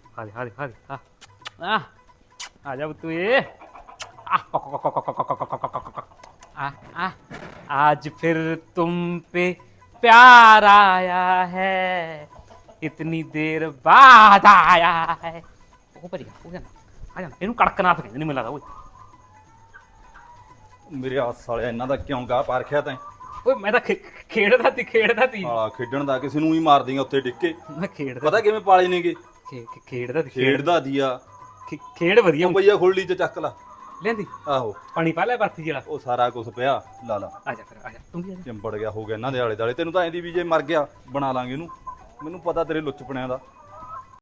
Speaker 6: ਆ ਜਾ ਤੂੰ ਏ। आज फिर तुम पे प्यार आया है, इतनी देर बाद आया है। ਉਹ ਭਰੀ ਉਹ ਜਾਂਦਾ ਇਹਨੂੰ ਕੜਕਨਾਥ ਕਹਿੰਦੇ ਨਹੀਂ, ਮੈਨੂੰ ਲੱਗਦਾ ਓਏ।
Speaker 4: ਮੇਰੇ ਆਸ ਵਾਲਿਆ ਇਹਨਾਂ ਦਾ ਕਿਉਂ ਗਾਹ ਪਾ ਰੱਖਿਆ ਤੈਂ?
Speaker 6: ਓਏ ਮੈਂ ਤਾਂ ਖੇਡਦਾ ਤੀ
Speaker 4: ਸਾਲਾ ਖੇਡਣ ਦਾ ਕਿਸੇ ਨੂੰ ਹੀ ਮਾਰ ਦੇਂਗਾ ਉੱਥੇ ਡਿੱਗ ਕੇ।
Speaker 6: ਮੈਂ ਖੇਡਦਾ
Speaker 4: ਪਤਾ ਕਿਵੇਂ ਪਾਲੇ ਨੇਗੇ?
Speaker 6: ਖੇਡਦਾ
Speaker 4: ਖੇਡਦਾ ਦੀਆ
Speaker 6: ਖੇਡ ਵਧੀਆ
Speaker 4: ਉਹ ਪਈਆ ਖੁਰਲੀ ਚ ਚੱਕ ਲਾ।
Speaker 6: ਲੈਂਦੀ
Speaker 4: ਆਹੋ
Speaker 6: ਪਾਣੀ ਪਾ ਲੈ ਬਰਫੀ ਜਿਹੜਾ।
Speaker 4: ਉਹ ਸਾਰਾ ਕੁਝ ਪਿਆ, ਲਾ ਲਾ।
Speaker 6: ਆ ਜਾ ਫਿਰ ਆ ਜਾ ਤੂੰ ਵੀ ਆ ਜਾ।
Speaker 4: ਚਿੰਬੜ ਗਿਆ ਹੋ ਗਿਆ ਇਹਨਾਂ ਦੇ ਆਲੇ ਦਾਲੇ। ਤੈਨੂੰ ਤਾਂ ਐਂ ਦੀ ਵੀ ਜੇ ਮਰ ਗਿਆ ਬਣਾ ਲਾਂਗੇ ਇਹਨੂੰ। ਮੈਨੂੰ ਪਤਾ ਤੇਰੇ ਲੁੱਚਪਣਿਆਂ ਦਾ।